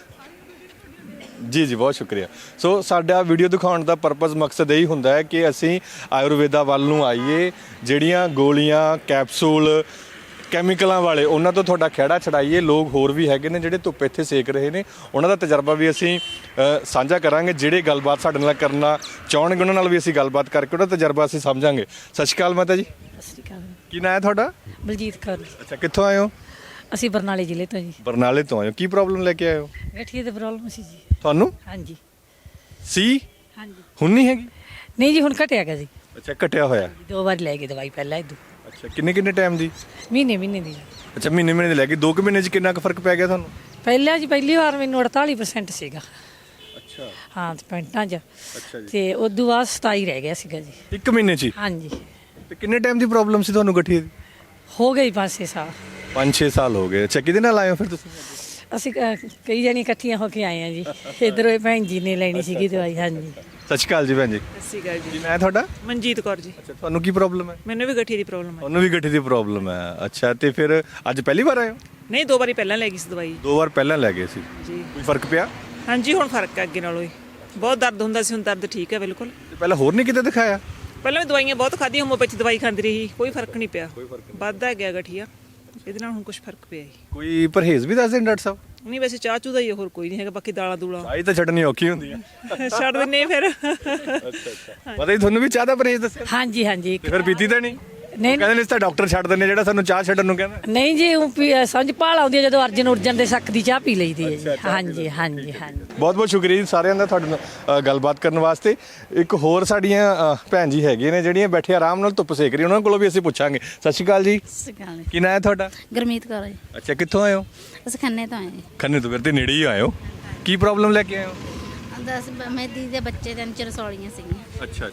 ਜੀ ਬਹੁਤ ਸ਼ੁਕਰੀਆ। ਸੋ ਸਾਡਾ ਵੀਡੀਓ ਦਿਖਾਉਣ ਦਾ ਪਰਪਸ, ਮਕਸਦ ਇਹੀ ਹੁੰਦਾ ਹੈ ਕਿ ਅਸੀਂ ਆਯੁਰਵੇਦਾ ਵੱਲ ਨੂੰ ਆਈਏ। ਜਿਹੜੀਆਂ ਗੋਲੀਆਂ, ਕੈਪਸੂਲ, ਕੈਮੀਕਲਾਂ ਵਾਲੇ, ਉਹਨਾਂ ਤੋਂ ਤੁਹਾਡਾ ਖਹਿੜਾ ਛਡਾਈਏ। ਲੋਕ ਹੋਰ ਵੀ ਹੈਗੇ ਨੇ ਜਿਹੜੇ ਧੁੱਪ ਇੱਥੇ ਸੇਕ ਰਹੇ ਨੇ, ਉਹਨਾਂ ਦਾ ਤਜਰਬਾ ਵੀ ਅਸੀਂ ਸਾਂਝਾ ਕਰਾਂਗੇ। ਜਿਹੜੇ ਗੱਲਬਾਤ ਸਾਡੇ ਨਾਲ ਕਰਨਾ ਚਾਹਣਗੇ ਉਹਨਾਂ ਨਾਲ ਵੀ ਅਸੀਂ ਗੱਲਬਾਤ ਕਰਕੇ ਉਹਦਾ ਤਜਰਬਾ ਅਸੀਂ ਸਮਝਾਂਗੇ। ਸਤਿ ਸ਼੍ਰੀ ਅਕਾਲ ਮਾਤਾ ਜੀ। ਸਤਿ ਸ਼੍ਰੀ ਅਕਾਲ। ਕੀ ਨਾਂ ਹੈ ਤੁਹਾਡਾ? ਬਲਜੀਤ ਕੌਰ। ਅੱਛਾ, ਕਿੱਥੋਂ ਆਏ ਹੋ? ਅਸੀਂ ਬਰਨਾਲੇ ਜ਼ਿਲ੍ਹੇ ਤੋਂ ਜੀ। ਬਰਨਾਲੇ ਤੋਂ ਆਏ ਹੋ। ਕੀ ਪ੍ਰੋਬਲਮ ਲੈ ਕੇ ਆਏ ਹੋ? ਗਠੀਏ ਦੀ ਪ੍ਰੋਬਲਮ ਸੀ ਜੀ। ਤੁਹਾਨੂੰ ਹਾਂਜੀ। ਸੀ? ਹਾਂਜੀ। ਹੁਣ ਨਹੀਂ ਹੈਗੀ? ਨਹੀਂ ਜੀ, ਹੁਣ ਘਟਿਆ ਗਿਆ ਜੀ। ਅੱਛਾ, ਘਟਿਆ ਹੋਇਆ। 2 ਵਾਰ ਲੈ ਗਏ ਦਵਾਈ ਪਹਿਲਾਂ ਇਦੋਂ। ਅੱਛਾ, ਕਿੰਨੇ ਟਾਈਮ ਦੀ? ਮਹੀਨੇ ਦੀ। ਅੱਛਾ, ਮਹੀਨੇ ਦੀ ਲੈ ਗਈ। 2 ਮਹੀਨੇ 'ਚ ਕਿੰਨਾ ਕੁ ਫਰਕ ਪੈ ਗਿਆ ਤੁਹਾਨੂੰ? ਪਹਿਲਾਂ ਜੀ ਪਹਿਲੀ ਵਾਰ ਮੈਨੂੰ 48% ਸੀਗਾ। ਅੱਛਾ। ਹਾਂ, ਤੇ ਪੈਂਟਾਂ 'ਚ। ਅੱਛਾ ਜੀ। ਤੇ ਉਦੋਂ ਬਾਅਦ 27 ਰਹਿ ਗਿਆ ਸੀਗਾ ਜੀ। 1 ਮਹੀਨੇ 'ਚ? ਹਾਂਜੀ। ਤੇ ਕਿੰਨੇ ਟਾਈਮ ਦੀ ਪ੍ਰੋਬਲਮ ਸੀ ਤੁਹਾਨੂੰ ਗਠੀਏ ਦੀ? ਹੋ ਗਈ 5-6 ਸਾਲ। 5-6 ਸਾਲ ਹੋ ਗਏ। ਅੱਛਾ, ਕਿਹਦੇ ਨਾਲ ਆਏ ਹੋ ਫਿਰ ਤੁਸੀਂ? ਅਸੀਂ ਕਈ ਜਣੀ ਇਕੱਠੀਆਂ ਹੋ ਕੇ ਆਏ ਆ ਜੀ। ਇਧਰੋਂ ਭੈਣ ਜੀ ਨੇ ਲੈਣੀ ਸੀਗੀ ਦਵਾਈ। ਹਾਂਜੀ। ਸਤਿ ਸ਼੍ਰੀ ਅਕਾਲ ਜੀ ਭੈਣ ਜੀ। ਸਤਿ ਸ਼੍ਰੀ ਅਕਾਲ ਜੀ। ਮੈਂ ਤੁਹਾਡਾ? ਮਨਜੀਤ ਕੌਰ ਜੀ। ਅੱਛਾ, ਤੁਹਾਨੂੰ ਕੀ ਪ੍ਰੋਬਲਮ ਹੈ? ਮੈਨੂੰ ਵੀ ਗਠੀਏ ਦੀ ਪ੍ਰੋਬਲਮ ਹੈ। ਉਹਨੂੰ ਵੀ ਗਠੀਏ ਦੀ ਪ੍ਰੋਬਲਮ ਹੈ। ਅੱਛਾ, ਤੇ ਫਿਰ ਅੱਜ ਪਹਿਲੀ ਵਾਰ ਆਏ ਹੋ? ਨਹੀਂ, 2 ਵਾਰੀ ਪਹਿਲਾਂ ਲੈ ਗਈ ਸੀ ਦਵਾਈ। 2 ਵਾਰ ਪਹਿਲਾਂ ਲੈ ਗਏ ਸੀ ਜੀ। ਕੋਈ ਫਰਕ ਪਿਆ? ਹਾਂਜੀ, ਹੁਣ ਫਰਕ ਹੈ ਅੱਗੇ ਨਾਲੋਂ ਹੀ। ਬਹੁਤ ਦਰਦ ਹੁੰਦਾ ਸੀ, ਹੁਣ ਦਰਦ ਠੀਕ ਹੈ ਬਿਲਕੁਲ। ਤੇ ਪਹਿਲਾਂ ਹੋਰ ਨਹੀਂ ਕਿਤੇ ਦਿਖਾਇਆ? ਪਹਿਲਾਂ ਵੀ ਦਵਾਈਆਂ ਬਹੁਤ ਖਾਧੀਆਂ, ਹੋਮੋਪੈਥੀ ਦਵਾਈ ਖਾਂਦੀ ਰਹੀ, ਕੋਈ ਫਰਕ ਨਹੀਂ ਪਿਆ। ਵੱਧਦਾ ਗਿਆ ਗਠੀਆ, ਇਹਦੇ ਨਾਲ ਹੁਣ ਕੁਝ ਫਰਕ ਪਿਆ ਜੀ। ਕੋਈ ਪਰਹੇਜ਼ ਵੀ ਦੱਸ ਦੇਣ ਡਾਕਟਰ ਸਾਹਿਬ? ਨਹੀਂ, ਵੈਸੇ ਚਾਹ ਚੂ ਦਾ ਹੀ, ਹੋਰ ਕੋਈ ਨਹੀਂ ਹੈਗਾ। ਬਾਕੀ ਦਾਲਾਂ ਦੂਲਾਂ ਚਾਹ ਤਾਂ ਛੱਡਣੀ ਔਖੀ ਹੁੰਦੀ ਹੈ। ਛੱਡ ਦਿੰਨੇ ਫਿਰ। ਅੱਛਾ। ਪਤਾ ਹੀ ਤੁਹਾਨੂੰ ਵੀ ਚਾਹ ਦਾ ਪਰਹੇਜ਼ ਦੱਸਿਆ? ਹਾਂਜੀ ਹਾਂਜੀ। ਤੇ ਫਿਰ ਪੀਤੀ ਤਾਂ ਨਹੀਂ? ਨਹੀਂ ਕਹਿੰਦੇ ਨੇ ਇਸ ਤਾਂ ਡਾਕਟਰ ਛੱਡ ਦਿੰਦੇ ਜਿਹੜਾ ਸਾਨੂੰ ਚਾਹ ਛੱਡਣ ਨੂੰ ਕਹਿੰਦਾ। ਨਹੀਂ ਜੀ, ਉਹ ਸਮਝ ਭਾਲ ਆਉਂਦੀ ਹੈ ਜਦੋਂ ਅਰਜਨ ਦੇ ਸ਼ੱਕ ਦੀ ਚਾਹ ਪੀ ਲਈਦੀ ਹੈ ਜੀ। ਹਾਂਜੀ ਹਾਂਜੀ ਹਾਂਜੀ। ਬਹੁਤ ਸ਼ੁਕਰੀਆ ਜੀ ਸਾਰਿਆਂ ਦਾ ਤੁਹਾਡੇ ਨਾਲ ਗੱਲਬਾਤ ਕਰਨ ਵਾਸਤੇ। ਇੱਕ ਹੋਰ ਸਾਡੀਆਂ ਭੈਣ ਜੀ ਹੈਗੇ ਨੇ ਜਿਹੜੀਆਂ ਬੈਠੇ ਆਰਾਮ ਨਾਲ ਧੁੱਪ ਸੇਕ ਰਹੀ, ਉਹਨਾਂ ਕੋਲੋਂ ਵੀ ਅਸੀਂ ਪੁੱਛਾਂਗੇ। ਸਤਿ ਸ਼੍ਰੀ ਅਕਾਲ ਜੀ। ਸਤਿ ਸ਼੍ਰੀ ਅਕਾਲ। ਕੀ ਨਾਂ ਹੈ ਤੁਹਾਡਾ? ਗੁਰਮੀਤ ਕੌਰ ਜੀ। ਅੱਛਾ, ਕਿੱਥੋਂ ਆਏ ਹੋ? ਅਸੀਂ ਖੰਨੇ ਤੋਂ ਆਏ ਖੰਨੇ ਤੋਂ। ਫਿਰ ਤੇ ਨੇੜੇ ਹੀ ਆਏ ਹੋ। ਕੀ ਪ੍ਰੋਬਲਮ ਲੈ ਕੇ ਆਏ ਹੋ? 10 ਮੇਰੀ ਦੇ ਬੱਚੇ ਦੇ ਅੰਦਰ ਰਸੌਲੀਆਂ ਸੀਗੀਆਂ। ਅੱਛਾ।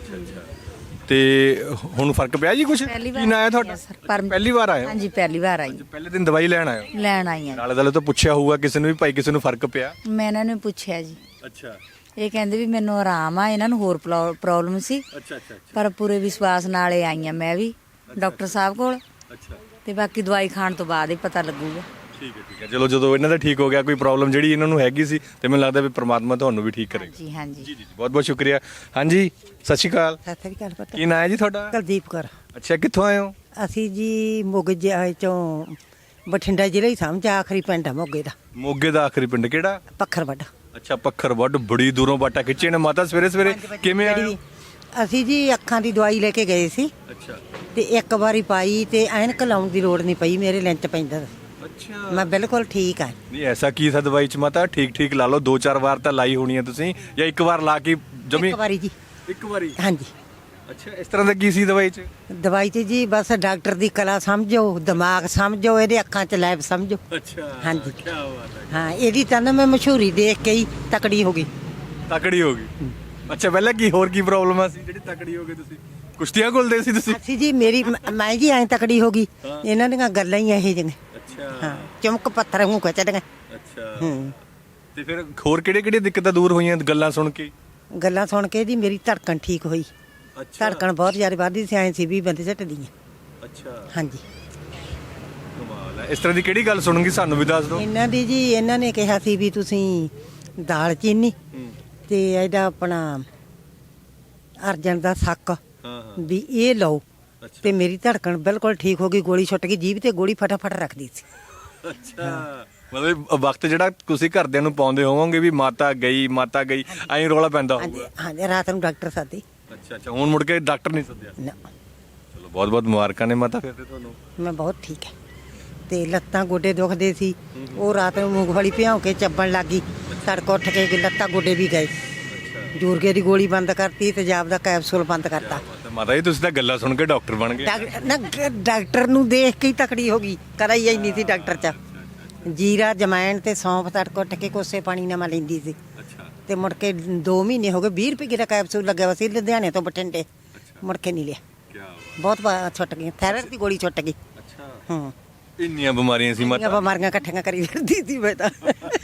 ਤੇ ਹੁਣ ਫਰਕ ਪਿਆ ਜੀ ਕੁਛ? ਕੀ ਨਾਂ ਹੈ ਤੁਹਾਡਾ? ਪਹਿਲੀ ਵਾਰ ਆਏ ਹੋ? ਹਾਂਜੀ, ਪਹਿਲੀ ਵਾਰ ਆਈ। ਪਹਿਲੇ ਦਿਨ ਦਵਾਈ ਲੈਣ ਆਏ ਹੋ? ਲੈਣ ਆਈ ਹਾਂ। ਨਾਲੇ ਤਾਂ ਪੁੱਛਿਆ ਹੋਊਗਾ ਕਿਸੇ ਨੂੰ ਵੀ ਭਾਈ ਕਿਸੇ ਨੂੰ ਫਰਕ ਪਿਆ? ਮੈਂ ਇਹਨਾਂ ਨੂੰ ਪੁੱਛਿਆ ਜੀ। ਅੱਛਾ। ਇਹ ਕਹਿੰਦੇ ਵੀ ਮੈਨੂੰ ਆਰਾਮ ਆ, ਇਹਨਾਂ ਨੂੰ ਹੋਰ ਪ੍ਰੋਬਲਮ ਸੀ। ਅੱਛਾ ਪਰ ਪੂਰੇ ਵਿਸ਼ਵਾਸ ਨਾਲ ਇਹ ਆਈਆਂ ਮੈਂ ਵੀ ਡਾਕਟਰ ਸਾਹਿਬ ਕੋਲ। ਅੱਛਾ ਤੇ ਬਾਕੀ ਦਵਾਈ ਖਾਣ ਤੋਂ ਬਾਅਦ ਹੀ ਪਤਾ ਲੱਗੂਗਾ। ਠੀਕ ਹੈ ਚਲੋ ਜਦੋਂ ਇਹਨਾਂ ਦਾ ਠੀਕ ਹੋ ਗਿਆ ਕੋਈ ਪ੍ਰੋਬਲਮ ਜਿਹੜੀ ਇਹਨਾਂ ਨੂੰ ਹੈਗੀ ਸੀ ਤੇ ਮੈਨੂੰ ਲੱਗਦਾ ਵੀ ਪ੍ਰਮਾਤਮਾ ਤੁਹਾਨੂੰ ਵੀ ਠੀਕ ਕਰੇਗਾ। ਜੀ ਹਾਂਜੀ ਜੀ ਬਹੁਤ ਬਹੁਤ ਸ਼ੁਕਰੀਆ। ਹਾਂਜੀ ਸਤਿ ਸ਼੍ਰੀ ਅਕਾਲ। ਸਤਿ ਸ੍ਰੀ ਅਕਾਲ ਪੁੱਤ। ਕੀ ਨਾਂ ਹੈ ਜੀ ਤੁਹਾਡਾ? ਕੁਲਦੀਪ ਕੌਰ। ਅੱਛਾ ਕਿੱਥੋਂ ਆਏ ਹੋ? ਅਸੀਂ ਜੀ ਮੋਗੇ ਚੋਂ ਬਠਿੰਡਾ ਜ਼ਿਲ੍ਹਾ ਹੀ ਸਮਝ ਆਖਰੀ ਪਿੰਡ ਆ ਮੋਗੇ ਦਾ। ਮੋਗੇ ਦਾ ਆਖਰੀ ਪਿੰਡ ਕਿਹੜਾ? ਪੱਖਰਵੱਡ। ਅੱਛਾ ਪੱਖਰਵੱਡ, ਬੜੀ ਦੂਰੋਂ ਬਾਟਾ ਖਿੱਚੇ ਨੇ ਮਾਤਾ ਸਵੇਰੇ ਸਵੇਰੇ ਕਿਵੇਂ ਆਏ? ਅਸੀਂ ਜੀ ਅੱਖਾਂ ਦੀ ਦਵਾਈ ਲੈ ਕੇ ਗਏ ਸੀ ਅੱਛਾ ਤੇ ਇੱਕ ਵਾਰੀ ਪਾਈ ਤੇ ਐਨਕ ਲਾਉਣ ਦੀ ਲੋੜ ਨਹੀਂ ਪਈ, ਮੇਰੇ ਲੈਂਚ ਪੈਂਦਾ। ਅੱਛਾ ਮੈਂ ਬਿਲਕੁਲ ਠੀਕ ਆ। ਨਹੀਂ ਐਸਾ ਕੀ ਥਾ ਦਵਾਈ ਚ ਮਾਤਾ? ਠੀਕ ਲਾ ਲਓ, 2-4 ਵਾਰ ਤਾਂ ਲਾਈ ਹੋਣੀ ਹੈ ਤੁਸੀਂ ਜਾਂ ਇੱਕ ਵਾਰ ਲਾ ਕੇ ਜਮੀ? ਇੱਕ ਵਾਰੀ ਜੀ। ਇੱਕ ਵਾਰੀ? ਹਾਂਜੀ। ਅੱਛਾ ਇਸ ਤਰ੍ਹਾਂ ਦਾ ਕੀ ਸੀ ਦਵਾਈ ਚ? ਦਵਾਈ 'ਚ ਜੀ ਬਸ ਡਾਕਟਰ ਦੀ ਕਲਾ ਸਮਝੋ, ਦਿਮਾਗ ਸਮਝੋ, ਇਹਦੇ ਅੱਖਾਂ 'ਚ ਲੈਬ ਸਮਝੋ। ਅੱਛਾ ਹਾਂਜੀ ਕੀ ਬਾਤ ਹੈ। ਹਾਂ ਇਹਦੀ ਤਾਂ ਨਾ ਮੈਂ ਮਸ਼ਹੂਰੀ ਦੇਖ ਕੇ ਹੀ ਤਕੜੀ ਹੋ ਗਈ। ਤਕੜੀ ਹੋ ਗਈ? ਅੱਛਾ ਪਹਿਲਾਂ ਕੀ ਹੋਰ ਕੀ ਪ੍ਰੋਬਲਮ ਆ ਸੀ ਜਿਹੜੀ ਤਕੜੀ ਹੋ ਗਈ ਤੁਸੀਂ? ਕੁਸ਼ਤੀਆਂ ਘੁਲਦੇ ਸੀ ਤੁਸੀਂ? ਅਸੀਂ ਜੀ ਮੈਂ ਜੀ ਐਂ ਤਕੜੀ ਹੋ ਗਈ, ਇਹਨਾਂ ਦੀਆਂ ਗੱਲਾਂ ਹੀ ਇਹੋ ਜਿਹੀਆਂ। ਅੱਛਾ ਹਾਂ ਚਮਕ ਪੱਥਰ ਮੂੰਹ ਕੋ ਚੜੀਆਂ। ਅੱਛਾ ਤੇ ਫਿਰ ਹੋਰ ਕਿਹੜੇ ਦਿੱਕਤਾਂ ਦੂਰ ਹੋਈਆਂ ਗੱਲਾਂ ਸੁਣ ਕੇ? ਗੱਲਾਂ ਸੁਣ ਕੇ ਜੀ ਮੇਰੀ ਧੜਕਣ ਠੀਕ ਹੋਈ। ਅੱਛਾ ਧੜਕਣ ਬਹੁਤ ਜ਼ਿਆਦਾ ਵੱਧਦੀ ਸੀ, ਐਂ ਸੀ ਵੀ ਬੰਦੇ ਝਟਦੀਆਂ। ਅੱਛਾ ਹਾਂਜੀ ਕਮਾਲ ਹੈ। ਇਸ ਤਰ੍ਹਾਂ ਦੀ ਕਿਹੜੀ ਗੱਲ ਸੁਣੂਗੀ ਸਾਨੂੰ ਵੀ ਦੱਸ ਦਿਓ। ਇਹਨਾਂ ਦੀ ਜੀ ਇਹਨਾਂ ਨੇ ਕਿਹਾ ਸੀ ਵੀ ਤੁਸੀਂ ਦਾਲ ਚੀਨੀ ਤੇ ਇਹਦਾ ਆਪਣਾ ਅਰਜਨ ਦਾ ਸੱਕ ਵੀ ਇਹ ਲਓ ਤੇ ਮੇਰੀ ਧੜਕਣ ਬਿਲਕੁਲ ਠੀਕ ਹੋ ਗਈ। ਗੋਲੀ ਛੁੱਟ ਗਈ, ਜੀਭ ਤੇ ਗੋਲੀ ਫਟਾਫਟ ਰੱਖਦੀ ਸੀ। ਅੱਛਾ ਮਤਲਬ ਵਕਤ ਜਿਹੜਾ ਤੁਸੀਂ ਘਰਦਿਆਂ ਨੂੰ ਪਾਉਂਦੇ ਹੋਵੋਗੇ ਵੀ ਮਾਤਾ ਗਈ ਐਂ ਰੌਲਾ ਪੈਂਦਾ ਹੋਊਗਾ। ਹਾਂਜੀ ਰਾਤ ਨੂੰ ਡਾਕਟਰ ਸਾਦੀ। ਅੱਛਾ ਹੁਣ ਮੁੜ ਕੇ ਡਾਕਟਰ ਨਹੀਂ ਸੱਦਿਆ? ਨਾ ਚਲੋ ਬਹੁਤ ਬਹੁਤ ਮੁਬਾਰਕਾਂ ਨੇ ਮਾਤਾ ਫਿਰ ਤੇ ਤੁਹਾਨੂੰ। ਮੈਂ ਬਹੁਤ ਠੀਕ ਹੈ। ਤੇ ਲੱਤਾਂ ਗੋਡੇ ਦੁਖਦੇ ਸੀ, ਉਹ ਰਾਤ ਨੂੰ ਮੂੰਗਫਲੀ ਭਿਉਂ ਕੇ ਚੱਬਣ ਲੱਗੀ। ਤੜਕੇ ਉੱਠ ਕੇ ਲੱਤਾਂ ਗੋਡੇ ਵੀ ਗਏ। ਜੂਰਗੇ ਦੀ ਗੋਲੀ ਬੰਦ ਕਰਤੀ, ਤੇਜ਼ਾਬ ਦਾ ਕੈਪਸੂਲ ਬੰਦ ਕਰਤਾ। ਮਾਤਾ ਜੀ ਤੁਸੀਂ ਤਾਂ ਗੱਲਾਂ ਸੁਣ ਕੇ ਡਾਕਟਰ ਬਣ ਗਏ। ਡਾਕਟਰ ਨੂੰ ਦੇਖ ਕੇ ਹੀ ਤਕੜੀ ਹੋ ਗਈ, ਕਰਾ ਹੀ ਇੰਨੀ ਸੀ ਡਾਕਟਰ ਚ। ਜੀਰਾ ਜਮੈਣ ਤੇ ਸੌਂਫ ਤੜਕੇ ਉੱਠ ਕੇ ਕੋਸੇ ਪਾਣੀ ਨਾਲ ਮੈਂ ਲੈਂਦੀ ਸੀ। ਤੇ ਮੁੜ ਕੇ 2 ਮਹੀਨੇ ਹੋ ਗਏ, 20 ਰੁਪਏ ਦਾ ਕੈਪਸੂਲ ਲੱਗਿਆ ਵਾ ਸੀ ਲੁਧਿਆਣੇ ਤੋਂ ਬਠਿੰਡੇ। ਮੁੜ ਕੇ ਨਹੀਂ ਲਿਆ। ਬਹੁਤ ਛੁੱਟ ਗਈ, ਥਾਇਰਾਇਡ ਦੀ ਗੋਲੀ ਛੁੱਟ ਗਈ। ਹਾਂ ਇੰਨੀਆਂ ਬਿਮਾਰੀਆਂ ਸੀ ਮਾਤਾ? ਬਿਮਾਰੀਆਂ ਇਕੱਠੀਆਂ ਕਰੀ ਫਿਰਦੀ ਸੀ ਮੈਂ ਤਾਂ।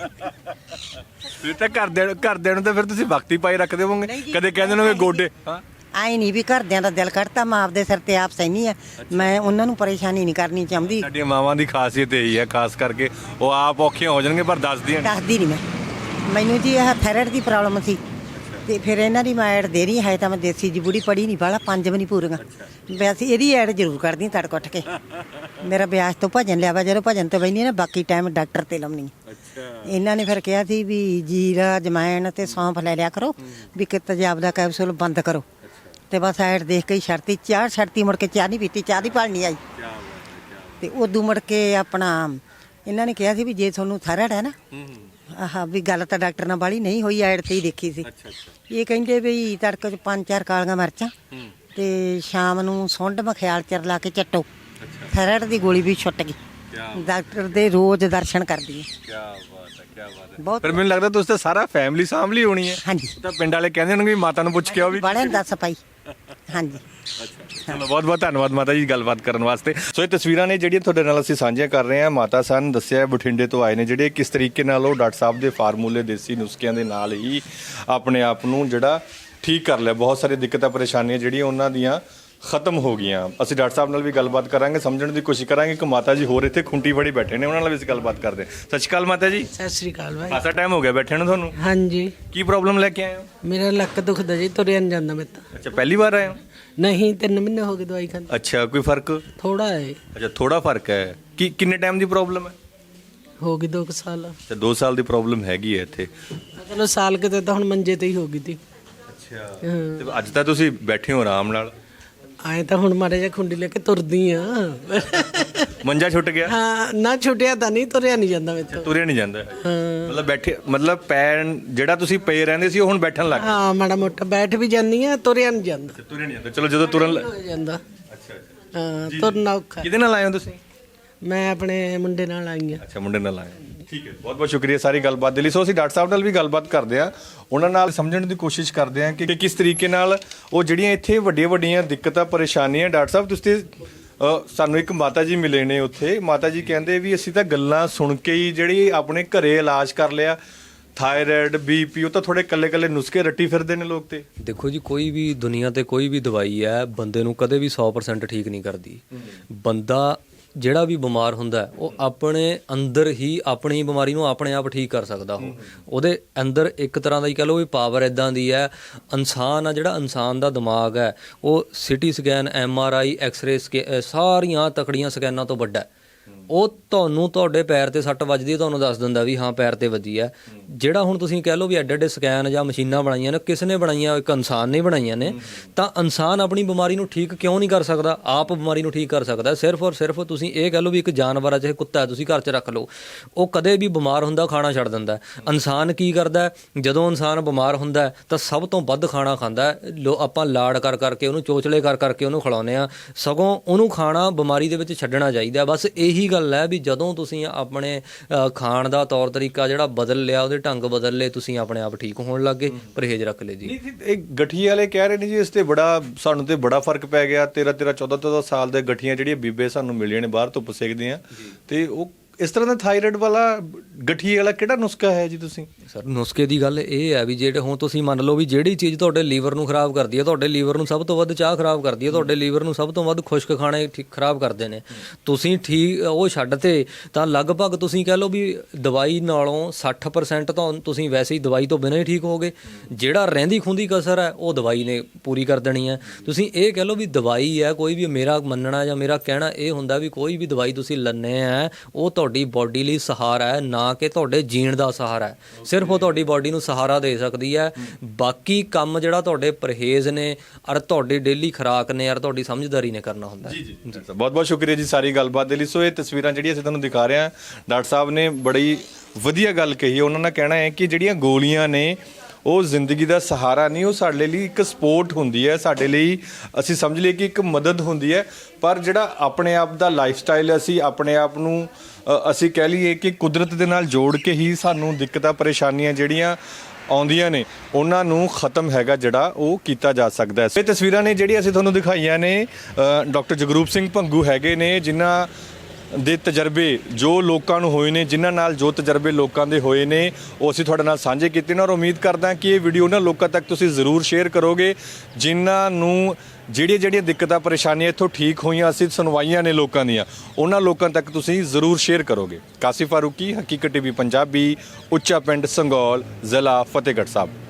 ਫਿਰ ਤਾਂ ਘਰਦਿਆਂ ਨੂੰ ਤਾਂ ਫਿਰ ਤੁਸੀਂ ਵਕਤ ਹੀ ਪਾਈ ਰੱਖਦੇ ਹੋਵੋਗੇ। ਕਦੇ ਕਹਿੰਦੇ ਨੇ ਗੋਡੇ ਆਏ ਨਹੀਂ ਵੀ ਘਰਦਿਆਂ ਦਾ ਦਿਲ ਕੱਢਤਾ, ਮੈਂ ਆਪਦੇ ਸਿਰ ਤੇ ਆਪ ਸਹਿਨੀ ਆ। ਮੈਂ ਉਹਨਾਂ ਨੂੰ ਪਰੇਸ਼ਾਨੀ ਨਹੀਂ ਕਰਨੀ ਚਾਹੁੰਦੀ। ਸਾਡੀਆਂ ਮਾਵਾਂ ਦੀ ਖਾਸੀਅਤ ਇਹੀ ਹੈ, ਖਾਸ ਕਰਕੇ ਉਹ ਆਪ ਔਖੀਆਂ ਹੋ ਜਾਣਗੇ ਪਰ ਦੱਸਦੀ ਨਹੀਂ ਮੈਂ। ਮੈਨੂੰ ਜੀ ਇਹ ਥਾਇਰਾਇਡ ਦੀ ਪ੍ਰੋਬਲਮ ਸੀ ਤੇ ਫਿਰ ਇਹਨਾਂ ਦੀ ਮੈਂ ਐਡ ਦੇ ਰਹੀ ਹੈ। ਤਾਂ ਮੈਂ ਦੇਸੀ ਜੀ ਬੁੜੀ ਪੜੀ ਨਹੀਂ ਵਾਲਾ 5 ਵੀ ਨਹੀਂ ਪੂਰੀਆਂ। ਵੈਸੇ ਇਹਦੀ ਐਡ ਜ਼ਰੂਰ ਕਰਦੀ ਤੜਕੇ ਉੱਠ ਕੇ। ਮੇਰਾ ਵਿਆਹ ਤੋਂ ਭਜਨ ਲਿਆ ਵਾ, ਜਦੋਂ ਭਜਨ ਤੇ ਬੈਣੀ ਨਾ ਬਾਕੀ ਟਾਈਮ ਡਾਕਟਰ ਤੇ ਲਾਉਣੀ। ਇਹਨਾਂ ਨੇ ਫਿਰ ਕਿਹਾ ਸੀ ਵੀ ਜੀਰਾ ਜਮੈਣ ਤੇ ਸੌਂਫ ਲੈ ਲਿਆ ਕਰੋ, ਵੀ ਕਿ ਤੇਜ਼ਾਬ ਦਾ ਕੈਪਸੂਲ ਬੰਦ ਕਰੋ। ਤੇ ਬਸ ਐਡ ਦੇਖ ਕੇ ਹੀ ਛੱਡਤੀ। ਚਾਹ ਛੱਡਤੀ, ਮੁੜ ਕੇ ਚਾਹ ਨਹੀਂ ਪੀਤੀ, ਚਾਹ ਦੀ ਭਾਲ ਨਹੀਂ ਆਈ। ਤੇ ਉਦੋਂ ਮੁੜ ਕੇ ਆਪਣਾ ਇਹਨਾਂ ਨੇ ਕਿਹਾ ਸੀ ਵੀ ਜੇ ਤੁਹਾਨੂੰ ਥਾਇਰਾਇਡ ਹੈ ਨਾ, ਆਹ ਵੀ ਗੱਲ ਤਾਂ ਡਾਕਟਰ ਨਾਲ ਵਾਲੀ ਨਹੀਂ ਹੋਈ, ਐਡ ਤੇ ਹੀ ਦੇਖੀ ਸੀ। ਇਹ ਕਹਿੰਦੇ ਵੀ ਤੜਕੇ 'ਚ 5-4 ਕਾਲੀਆਂ ਮਿਰਚਾਂ ਤੇ ਸ਼ਾਮ ਨੂੰ ਸੁੰਡ ਮਖਿਆਲ ਚਰ ਲਾ ਕੇ ਚੱਟੋ, ਥਾਇਰਾਇਡ ਦੀ ਗੋਲੀ ਵੀ ਛੁੱਟ ਗਈ। ਡਾਕਟਰ ਦੇ ਰੋਜ਼ ਦਰਸ਼ਨ ਕਰਦੀ ਹੈ। ਕੀ ਬਾਤ ਹੈ, ਕੀ ਬਾਤ ਹੈ। ਬਹੁਤ ਪਰ ਮੈਨੂੰ ਲੱਗਦਾ ਤੁਸੀਂ ਤਾਂ ਸਾਰਾ ਫੈਮਿਲੀ ਸਾਂਭਲੀ ਹੋਣੀ ਹੈ। ਹਾਂਜੀ ਤਾਂ ਪਿੰਡ ਵਾਲੇ ਕਹਿੰਦੇ ਹੋਣਗੇ ਵੀ ਮਾਤਾ ਨੂੰ ਪੁੱਛ ਕੇ ਆਓ ਵੀ। ਬੜੇ ਦੱਸ ਪਾਈ। ਹਾਂਜੀ ਚਲੋ ਬਹੁਤ ਬਹੁਤ ਧੰਨਵਾਦ ਮਾਤਾ ਜੀ ਗੱਲਬਾਤ ਕਰਨ ਵਾਸਤੇ। ਸੋ ਇਹ ਤਸਵੀਰਾਂ ਨੇ ਜਿਹੜੀਆਂ ਤੁਹਾਡੇ ਨਾਲ ਅਸੀਂ ਸਾਂਝੀਆਂ ਕਰ ਰਹੇ ਹਾਂ। ਮਾਤਾ ਸਾਨੂੰ ਦੱਸਿਆ ਬਠਿੰਡੇ ਤੋਂ ਆਏ ਨੇ, ਜਿਹੜੇ ਕਿਸ ਤਰੀਕੇ ਨਾਲ ਉਹ ਡਾਕਟਰ ਸਾਹਿਬ ਦੇ ਫਾਰਮੂਲੇ ਦੇਸੀ ਨੁਸਖਿਆਂ ਦੇ ਨਾਲ ਹੀ ਆਪਣੇ ਆਪ ਨੂੰ ਜਿਹੜਾ ਠੀਕ ਕਰ ਲਿਆ। ਬਹੁਤ ਸਾਰੀ ਦਿੱਕਤਾਂ ਪਰੇਸ਼ਾਨੀਆਂ ਜਿਹੜੀਆਂ ਉਹਨਾਂ ਦੀਆਂ ਖਤਮ ਹੋ ਗਈਆਂ। ਅਸੀਂ ਡਾਕਟਰ ਸਾਹਿਬ ਨਾਲ ਵੀ ਗੱਲਬਾਤ ਕਰਾਂਗੇ, ਸਮਝਣ ਦੀ ਕੋਸ਼ਿਸ਼ ਕਰਾਂਗੇ ਕਿ ਮਾਤਾ ਜੀ ਹੋਰ ਇੱਥੇ ਖੁੰਟੀ ਫੜੀ ਬੈਠੇ ਨੇ, ਉਹਨਾਂ ਨਾਲ ਵੀ ਅਸੀਂ ਗੱਲਬਾਤ ਕਰਦੇ ਹਾਂ। ਸਤਿ ਸ਼੍ਰੀ ਅਕਾਲ ਮਾਤਾ ਜੀ। ਸਤਿ ਸ਼੍ਰੀ ਅਕਾਲ ਭਾਈ। ਖਾਸਾ ਟਾਈਮ ਹੋ ਗਿਆ ਬੈਠੇ ਨੂੰ ਤੁਹਾਨੂੰ। ਹਾਂਜੀ। ਕੀ ਪ੍ਰੋਬਲਮ ਲੈ ਕੇ ਆਏ ਹੋ? ਮੇਰਾ ਲੱਕ ਦੁਖਦਾ ਜੀ, ਤੁਰਿਆ ਨਹੀਂ ਜਾਂਦਾ ਮੇਰੇ ਤੋਂ। ਅੱਛਾ ਪਹਿਲੀ ਵਾਰ ਆਏ ਹੋ? ਨਹੀਂ 3 ਮਹੀਨੇ ਹੋ ਗਏ ਦਵਾਈ ਖਾਂਦੇ। ਅੱਛਾ ਕੋਈ ਫਰਕ? ਥੋੜਾ ਹੈ। ਅੱਛਾ ਥੋੜਾ ਫਰਕ ਹੈ। ਕਿੰਨੇ ਟਾਈਮ ਦੀ ਪ੍ਰੋਬਲਮ ਹੈ? ਹੋ ਗਈ 2 ਸਾਲ। ਅੱਛਾ 2 ਸਾਲ ਦੀ ਪ੍ਰੋਬਲਮ ਹੈਗੀ ਹੈ ਇੱਥੇ। ਚਲੋ ਸਾਲ ਕਿਤੇ ਤਾਂ ਹੁਣ ਮੰਜੇ ਤੇ ਹੀ ਹੋ ਗਈ ਤੀ। ਅੱਛਾ ਤੇ ਅੱਜ ਤਾਂ ਤੁਸੀਂ ਬੈਠੇ ਹੋ ਆਰਾਮ ਨਾਲ। ਆਏ ਤਾਂ ਹੁਣ ਮਾਰੇ ਜਿਹਾ ਖੁੰਡੀ ਲੈ ਕੇ ਤੁਰਦੀ ਆ। ਮੰਜਾ ਛੁੱਟ ਗਿਆ? ਹਾਂ ਨਾ ਛੁੱਟਿਆ ਤਾਂ ਨਹੀਂ, ਤੁਰਿਆ ਨਹੀਂ ਜਾਂਦਾ ਮੇਰੇ ਤੋਂ। ਤੁਰਿਆ ਨਹੀਂ ਜਾਂਦਾ ਮਤਲਬ ਬੈਠੇ, ਮਤਲਬ ਪੈਰ ਜਿਹੜਾ ਤੁਸੀਂ ਪਏ ਰਹਿੰਦੇ ਸੀ ਉਹ ਹੁਣ ਬੈਠਣ ਲੱਗ ਗਏ? ਹਾਂ ਮਾੜਾ ਮੋਟਾ ਬੈਠ ਵੀ ਜਾਂਦੀ ਆ, ਤੁਰਿਆ ਨਹੀਂ ਜਾਂਦਾ। ਤੁਰਿਆ ਨਹੀਂ ਜਾਂਦਾ। ਚਲੋ ਜਦੋਂ ਤੁਰਨ ਹੋ ਜਾਂਦਾ। ਅੱਛਾ ਹਾਂ ਤੁਰਨਾ ਔਖਾ। ਕਿਹਦੇ ਨਾਲ ਆਏ ਹੋ ਤੁਸੀਂ? ਮੈਂ ਆਪਣੇ ਮੁੰਡੇ ਨਾਲ ਆਈ ਆ। ਅੱਛਾ ਮੁੰਡੇ ਨਾਲ ਆਏ। ਠੀਕ ਹੈ, ਬਹੁਤ ਬਹੁਤ ਸ਼ੁਕਰੀਆ ਸਾਰੀ ਗੱਲਬਾਤ ਦੇ ਲਈ। ਸੋ ਅਸੀਂ ਡਾਕਟਰ ਸਾਹਿਬ ਨਾਲ ਵੀ ਗੱਲਬਾਤ ਕਰਦੇ ਆ, ਉਹਨਾਂ ਨਾਲ ਸਮਝਣ ਦੀ ਕੋਸ਼ਿਸ਼ ਕਰਦੇ ਆ ਕਿ ਕਿਸ ਤਰੀਕੇ ਨਾਲ ਉਹ ਜਿਹੜੀਆਂ ਇੱਥੇ ਵੱਡੀਆਂ ਵੱਡੀਆਂ ਦਿੱਕਤਾਂ ਪਰੇਸ਼ਾਨੀਆਂ। ਡਾਕਟਰ ਸਾਹਿਬ ਤੁਸੀਂ ਸਾਨੂੰ ਇੱਕ ਮਾਤਾ ਜੀ ਮਿਲੇ ਨੇ ਉੱਥੇ। ਮਾਤਾ ਜੀ ਕਹਿੰਦੇ ਵੀ ਅਸੀਂ ਤਾਂ ਗੱਲਾਂ ਸੁਣ ਕੇ ਹੀ ਜਿਹੜੀ ਆਪਣੇ ਘਰੇ ਇਲਾਜ ਕਰ ਲਿਆ ਥਾਇਰਾਇਡ ਬੀਪੀ ਉਹ ਤਾਂ ਥੋੜੇ ਕੱਲੇ ਨੁਸਖੇ ਰੱਟੀ ਫਿਰਦੇ ਨੇ ਲੋਕ ਤੇ। ਦੇਖੋ ਜੀ, ਕੋਈ ਵੀ ਦੁਨੀਆ ਤੇ ਕੋਈ ਵੀ ਦਵਾਈ ਹੈ ਬੰਦੇ ਨੂੰ ਕਦੇ ਵੀ 100% ਠੀਕ ਨਹੀਂ ਕਰਦੀ। ਬੰਦਾ ਜਿਹੜਾ ਵੀ ਬਿਮਾਰ ਹੁੰਦਾ ਹੈ, ਉਹ ਆਪਣੇ ਅੰਦਰ ਹੀ ਆਪਣੀ ਬਿਮਾਰੀ ਨੂੰ ਆਪਣੇ ਆਪ ਠੀਕ ਕਰ ਸਕਦਾ। ਉਹਦੇ ਅੰਦਰ ਇੱਕ ਤਰ੍ਹਾਂ ਦਾ ਹੀ ਕਹਿ ਲਓ ਵੀ ਪਾਵਰ ਇੱਦਾਂ ਦੀ ਹੈ। ਇਨਸਾਨ ਆ ਜਿਹੜਾ, ਇਨਸਾਨ ਦਾ ਦਿਮਾਗ ਹੈ ਉਹ ਸਿਟੀ ਸਕੈਨ, MRI, ਐਕਸ-ਰੇ ਸਾਰੀਆਂ ਤਕੜੀਆਂ ਸਕੈਨਾਂ ਤੋਂ ਵੱਡਾ ਹੈ। ਉਹ ਤੁਹਾਨੂੰ ਤੁਹਾਡੇ ਪੈਰ ਤੇ ਸੱਟ ਵੱਜਦੀ ਹੈ, ਤੁਹਾਨੂੰ ਦੱਸ ਦਿੰਦਾ ਵੀ ਹਾਂ ਪੈਰ ਤੇ ਵੱਜੀ ਹੈ। ਜਿਹੜਾ ਹੁਣ ਤੁਸੀਂ ਕਹਿ ਲਓ ਵੀ ਐਡੇ ਸਕੈਨ ਜਾਂ ਮਸ਼ੀਨਾਂ ਬਣਾਈਆਂ ਨੇ, ਕਿਸ ਨੇ ਬਣਾਈਆਂ? ਇੱਕ ਇਨਸਾਨ ਨੇ ਬਣਾਈਆਂ ਨੇ। ਤਾਂ ਇਨਸਾਨ ਆਪਣੀ ਬਿਮਾਰੀ ਨੂੰ ਠੀਕ ਕਿਉਂ ਨਹੀਂ ਕਰ ਸਕਦਾ? ਆਪ ਬਿਮਾਰੀ ਨੂੰ ਠੀਕ ਕਰ ਸਕਦਾ। ਸਿਰਫ ਔਰ ਸਿਰਫ ਤੁਸੀਂ ਇਹ ਕਹਿ ਲਓ ਵੀ ਇੱਕ ਜਾਨਵਰ ਆ, ਚਾਹੇ ਕੁੱਤਾ ਹੈ, ਤੁਸੀਂ ਘਰ 'ਚ ਰੱਖ ਲਓ, ਉਹ ਕਦੇ ਵੀ ਬਿਮਾਰ ਹੁੰਦਾ ਖਾਣਾ ਛੱਡ ਦਿੰਦਾ। ਇਨਸਾਨ ਕੀ ਕਰਦਾ? ਜਦੋਂ ਇਨਸਾਨ ਬਿਮਾਰ ਹੁੰਦਾ ਤਾਂ ਸਭ ਤੋਂ ਵੱਧ ਖਾਣਾ ਖਾਂਦਾ। ਆਪਾਂ ਲਾਡ ਕਰ ਕਰਕੇ ਉਹਨੂੰ, ਚੋਚਲੇ ਕਰ ਕਰਕੇ ਉਹਨੂੰ ਖਿਲਾਉਂਦੇ ਆ। ਸਗੋਂ ਉਹਨੂੰ ਖਾਣਾ ਬਿਮਾਰੀ ਦੇ ਵਿੱਚ ਛੱਡਣਾ ਚਾਹੀਦਾ। ਬਸ ਇਹੀ ਗੱਲ ਹੈ ਵੀ ਜਦੋਂ ਤੁਸੀਂ ਆਪਣੇ ਖਾਣ ਦਾ ਤੌਰ ਤਰੀਕਾ ਜਿਹੜਾ ਬਦਲ ਲਿਆ, ਉਹਦੇ ਢੰਗ ਬਦਲ ਲਏ, ਤੁਸੀਂ ਆਪਣੇ ਆਪ ਠੀਕ ਹੋਣ ਲੱਗ ਗਏ। ਪਰਹੇਜ਼ ਰੱਖ ਲਏ ਜੀ। ਇਹ ਗਠੀਏ ਵਾਲੇ ਕਹਿ ਰਹੇ ਨੇ ਜੀ ਇਸ ਤੇ ਸਾਨੂੰ ਤੇ ਬੜਾ ਫਰਕ ਪੈ ਗਿਆ। 13-14 ਸਾਲ ਦੇ ਗਠੀਆਂ ਜਿਹੜੀਆਂ ਬੀਬੇ ਸਾਨੂੰ ਮਿਲੀਆਂ ਨੇ ਬਾਹਰ ਧੁੱਪ ਸੇਕਦੀਆਂ, ਤੇ ਉਹ ਇਸ ਤਰ੍ਹਾਂ ਦਾ ਥਾਇਰਾਇਡ ਵਾਲਾ ਗਠੀਏ ਵਾਲਾ ਕਿਹੜਾ ਨੁਸਖਾ ਹੈ ਜੀ? ਤੁਸੀਂ ਸਰ ਨੁਸਖੇ ਦੀ ਗੱਲ ਇਹ ਹੈ ਵੀ ਜਿਹੜੇ ਹੁਣ ਤੁਸੀਂ ਮੰਨ ਲਓ ਵੀ ਜਿਹੜੀ ਚੀਜ਼ ਤੁਹਾਡੇ ਲੀਵਰ ਨੂੰ ਖਰਾਬ ਕਰਦੀ ਹੈ, ਤੁਹਾਡੇ ਲੀਵਰ ਨੂੰ ਸਭ ਤੋਂ ਵੱਧ ਚਾਹ ਖਰਾਬ ਕਰਦੀ ਹੈ, ਤੁਹਾਡੇ ਲੀਵਰ ਨੂੰ ਸਭ ਤੋਂ ਵੱਧ ਖੁਸ਼ਕ ਖਾਣੇ ਖਰਾਬ ਕਰਦੇ ਨੇ, ਤੁਸੀਂ ਠੀਕ ਉਹ ਛੱਡ ਤੇ ਤਾਂ ਲਗਭਗ ਤੁਸੀਂ ਕਹਿ ਲਓ ਵੀ ਦਵਾਈ ਨਾਲੋਂ 60% ਤਾਂ ਤੁਸੀਂ ਵੈਸੇ ਹੀ ਦਵਾਈ ਤੋਂ ਬਿਨਾਂ ਹੀ ਠੀਕ ਹੋਗੇ। ਜਿਹੜਾ ਰਹਿੰਦੀ ਖੁੰਦੀ ਕਸਰ ਹੈ ਉਹ ਦਵਾਈ ਨੇ ਪੂਰੀ ਕਰ ਦੇਣੀ ਹੈ। ਤੁਸੀਂ ਇਹ ਕਹਿ ਲਓ ਵੀ ਦਵਾਈ ਹੈ, ਕੋਈ ਵੀ ਮੇਰਾ ਮੰਨਣਾ ਜਾਂ ਮੇਰਾ ਕਹਿਣਾ ਇਹ ਹੁੰਦਾ ਵੀ ਕੋਈ ਵੀ ਦਵਾਈ ਤੁਸੀਂ ਲੈਂਦੇ ਆ ਉਹ ਤੁਹਾਡੀ ਬੋਡੀ ਲਈ ਸਹਾਰਾ ਹੈ, ਨਾ ਕਿ ਤੁਹਾਡੇ ਜੀਣ ਦਾ ਸਹਾਰਾ ਹੈ। ਸਿਰਫ ਉਹ ਤੁਹਾਡੀ ਬੋਡੀ ਨੂੰ ਸਹਾਰਾ ਦੇ ਸਕਦੀ ਹੈ। ਬਾਕੀ ਕੰਮ ਜਿਹੜਾ ਤੁਹਾਡੇ ਪਰਹੇਜ਼ ਨੇ ਔਰ ਤੁਹਾਡੀ ਡੇਲੀ ਖੁਰਾਕ ਨੇ ਔਰ ਤੁਹਾਡੀ ਸਮਝਦਾਰੀ ਨੇ ਕਰਨਾ ਹੁੰਦਾ ਹੈ। ਜੀ ਬਹੁਤ ਬਹੁਤ ਸ਼ੁਕਰੀਆ ਜੀ ਸਾਰੀ ਗੱਲਬਾਤ ਦੇ ਲਈ। ਸੋ ਇਹ ਤਸਵੀਰਾਂ ਜਿਹੜੀਆਂ ਅਸੀਂ ਤੁਹਾਨੂੰ ਦਿਖਾ ਰਹੇ ਹਾਂ, ਡਾਕਟਰ ਸਾਹਿਬ ਨੇ ਬੜੀ ਵਧੀਆ ਗੱਲ ਕਹੀ। ਉਹਨਾਂ ਦਾ ਕਹਿਣਾ ਹੈ ਕਿ ਜਿਹੜੀਆਂ ਗੋਲੀਆਂ ਨੇ ਉਹ ਜ਼ਿੰਦਗੀ ਦਾ ਸਹਾਰਾ ਨਹੀਂ, ਉਹ ਸਾਡੇ ਲਈ ਇੱਕ ਸਪੋਰਟ ਹੁੰਦੀ ਹੈ, ਸਾਡੇ ਲਈ ਅਸੀਂ ਸਮਝ ਲਈਏ ਕਿ ਇੱਕ ਮਦਦ ਹੁੰਦੀ ਹੈ। ਪਰ ਜਿਹੜਾ ਆਪਣੇ ਆਪ ਦਾ ਲਾਈਫ ਸਟਾਈਲ, ਅਸੀਂ ਆਪਣੇ ਆਪ ਨੂੰ ਅਸੀਂ ਕਹਿ ਲਈਏ ਕਿ ਕੁਦਰਤ ਦੇ ਨਾਲ ਜੋੜ ਕੇ ਹੀ ਸਾਨੂੰ ਦਿੱਕਤਾਂ ਪਰੇਸ਼ਾਨੀਆਂ ਜਿਹੜੀਆਂ ਆਉਂਦੀਆਂ ਨੇ ਉਹਨਾਂ ਨੂੰ ਖਤਮ ਹੈਗਾ ਜਿਹੜਾ ਉਹ ਕੀਤਾ ਜਾ ਸਕਦਾ ਹੈ। ਇਹ ਤਸਵੀਰਾਂ ਨੇ ਜਿਹੜੀਆਂ ਅਸੀਂ ਤੁਹਾਨੂੰ ਦਿਖਾਈਆਂ ਨੇ, ਡਾਕਟਰ ਜਗਰੂਪ ਸਿੰਘ ਭੰਗੂ ਹੈਗੇ ਨੇ, ਜਿਨ੍ਹਾਂ ਦੇ ਤਜਰਬੇ ਜੋ ਲੋਕਾਂ ਨੂੰ ਹੋਏ ਨੇ, ਜਿਨ੍ਹਾਂ ਨਾਲ ਜੋ ਤਜਰਬੇ ਲੋਕਾਂ ਦੇ ਹੋਏ ਨੇ ਉਹ ਅਸੀਂ ਤੁਹਾਡੇ ਨਾਲ ਸਾਂਝੇ ਕੀਤੇ ਨੇ। ਔਰ ਉਮੀਦ ਕਰਦਾ ਕਿ ਇਹ ਵੀਡੀਓ ਨਾ ਲੋਕਾਂ ਤੱਕ ਤੁਸੀਂ ਜ਼ਰੂਰ ਸ਼ੇਅਰ ਕਰੋਗੇ, ਜਿਨ੍ਹਾਂ ਨੂੰ ਜਿਹੜੀਆਂ ਦਿੱਕਤਾਂ ਪਰੇਸ਼ਾਨੀਆਂ ਇੱਥੋਂ ਠੀਕ ਹੋਈਆਂ, ਅਸੀਂ ਸੁਣਵਾਈਆਂ ਨੇ ਲੋਕਾਂ ਦੀਆਂ, ਉਹਨਾਂ ਲੋਕਾਂ ਤੱਕ ਤੁਸੀਂ ਜ਼ਰੂਰ ਸ਼ੇਅਰ ਕਰੋਗੇ। ਕਾਸਿਫ ਫਾਰੂਕੀ, ਹਕੀਕਤ TV ਪੰਜਾਬੀ, ਉੱਚਾ ਪਿੰਡ ਸੰਗੌਲ, ਜ਼ਿਲ੍ਹਾ ਫਤਿਹਗੜ੍ਹ ਸਾਹਿਬ।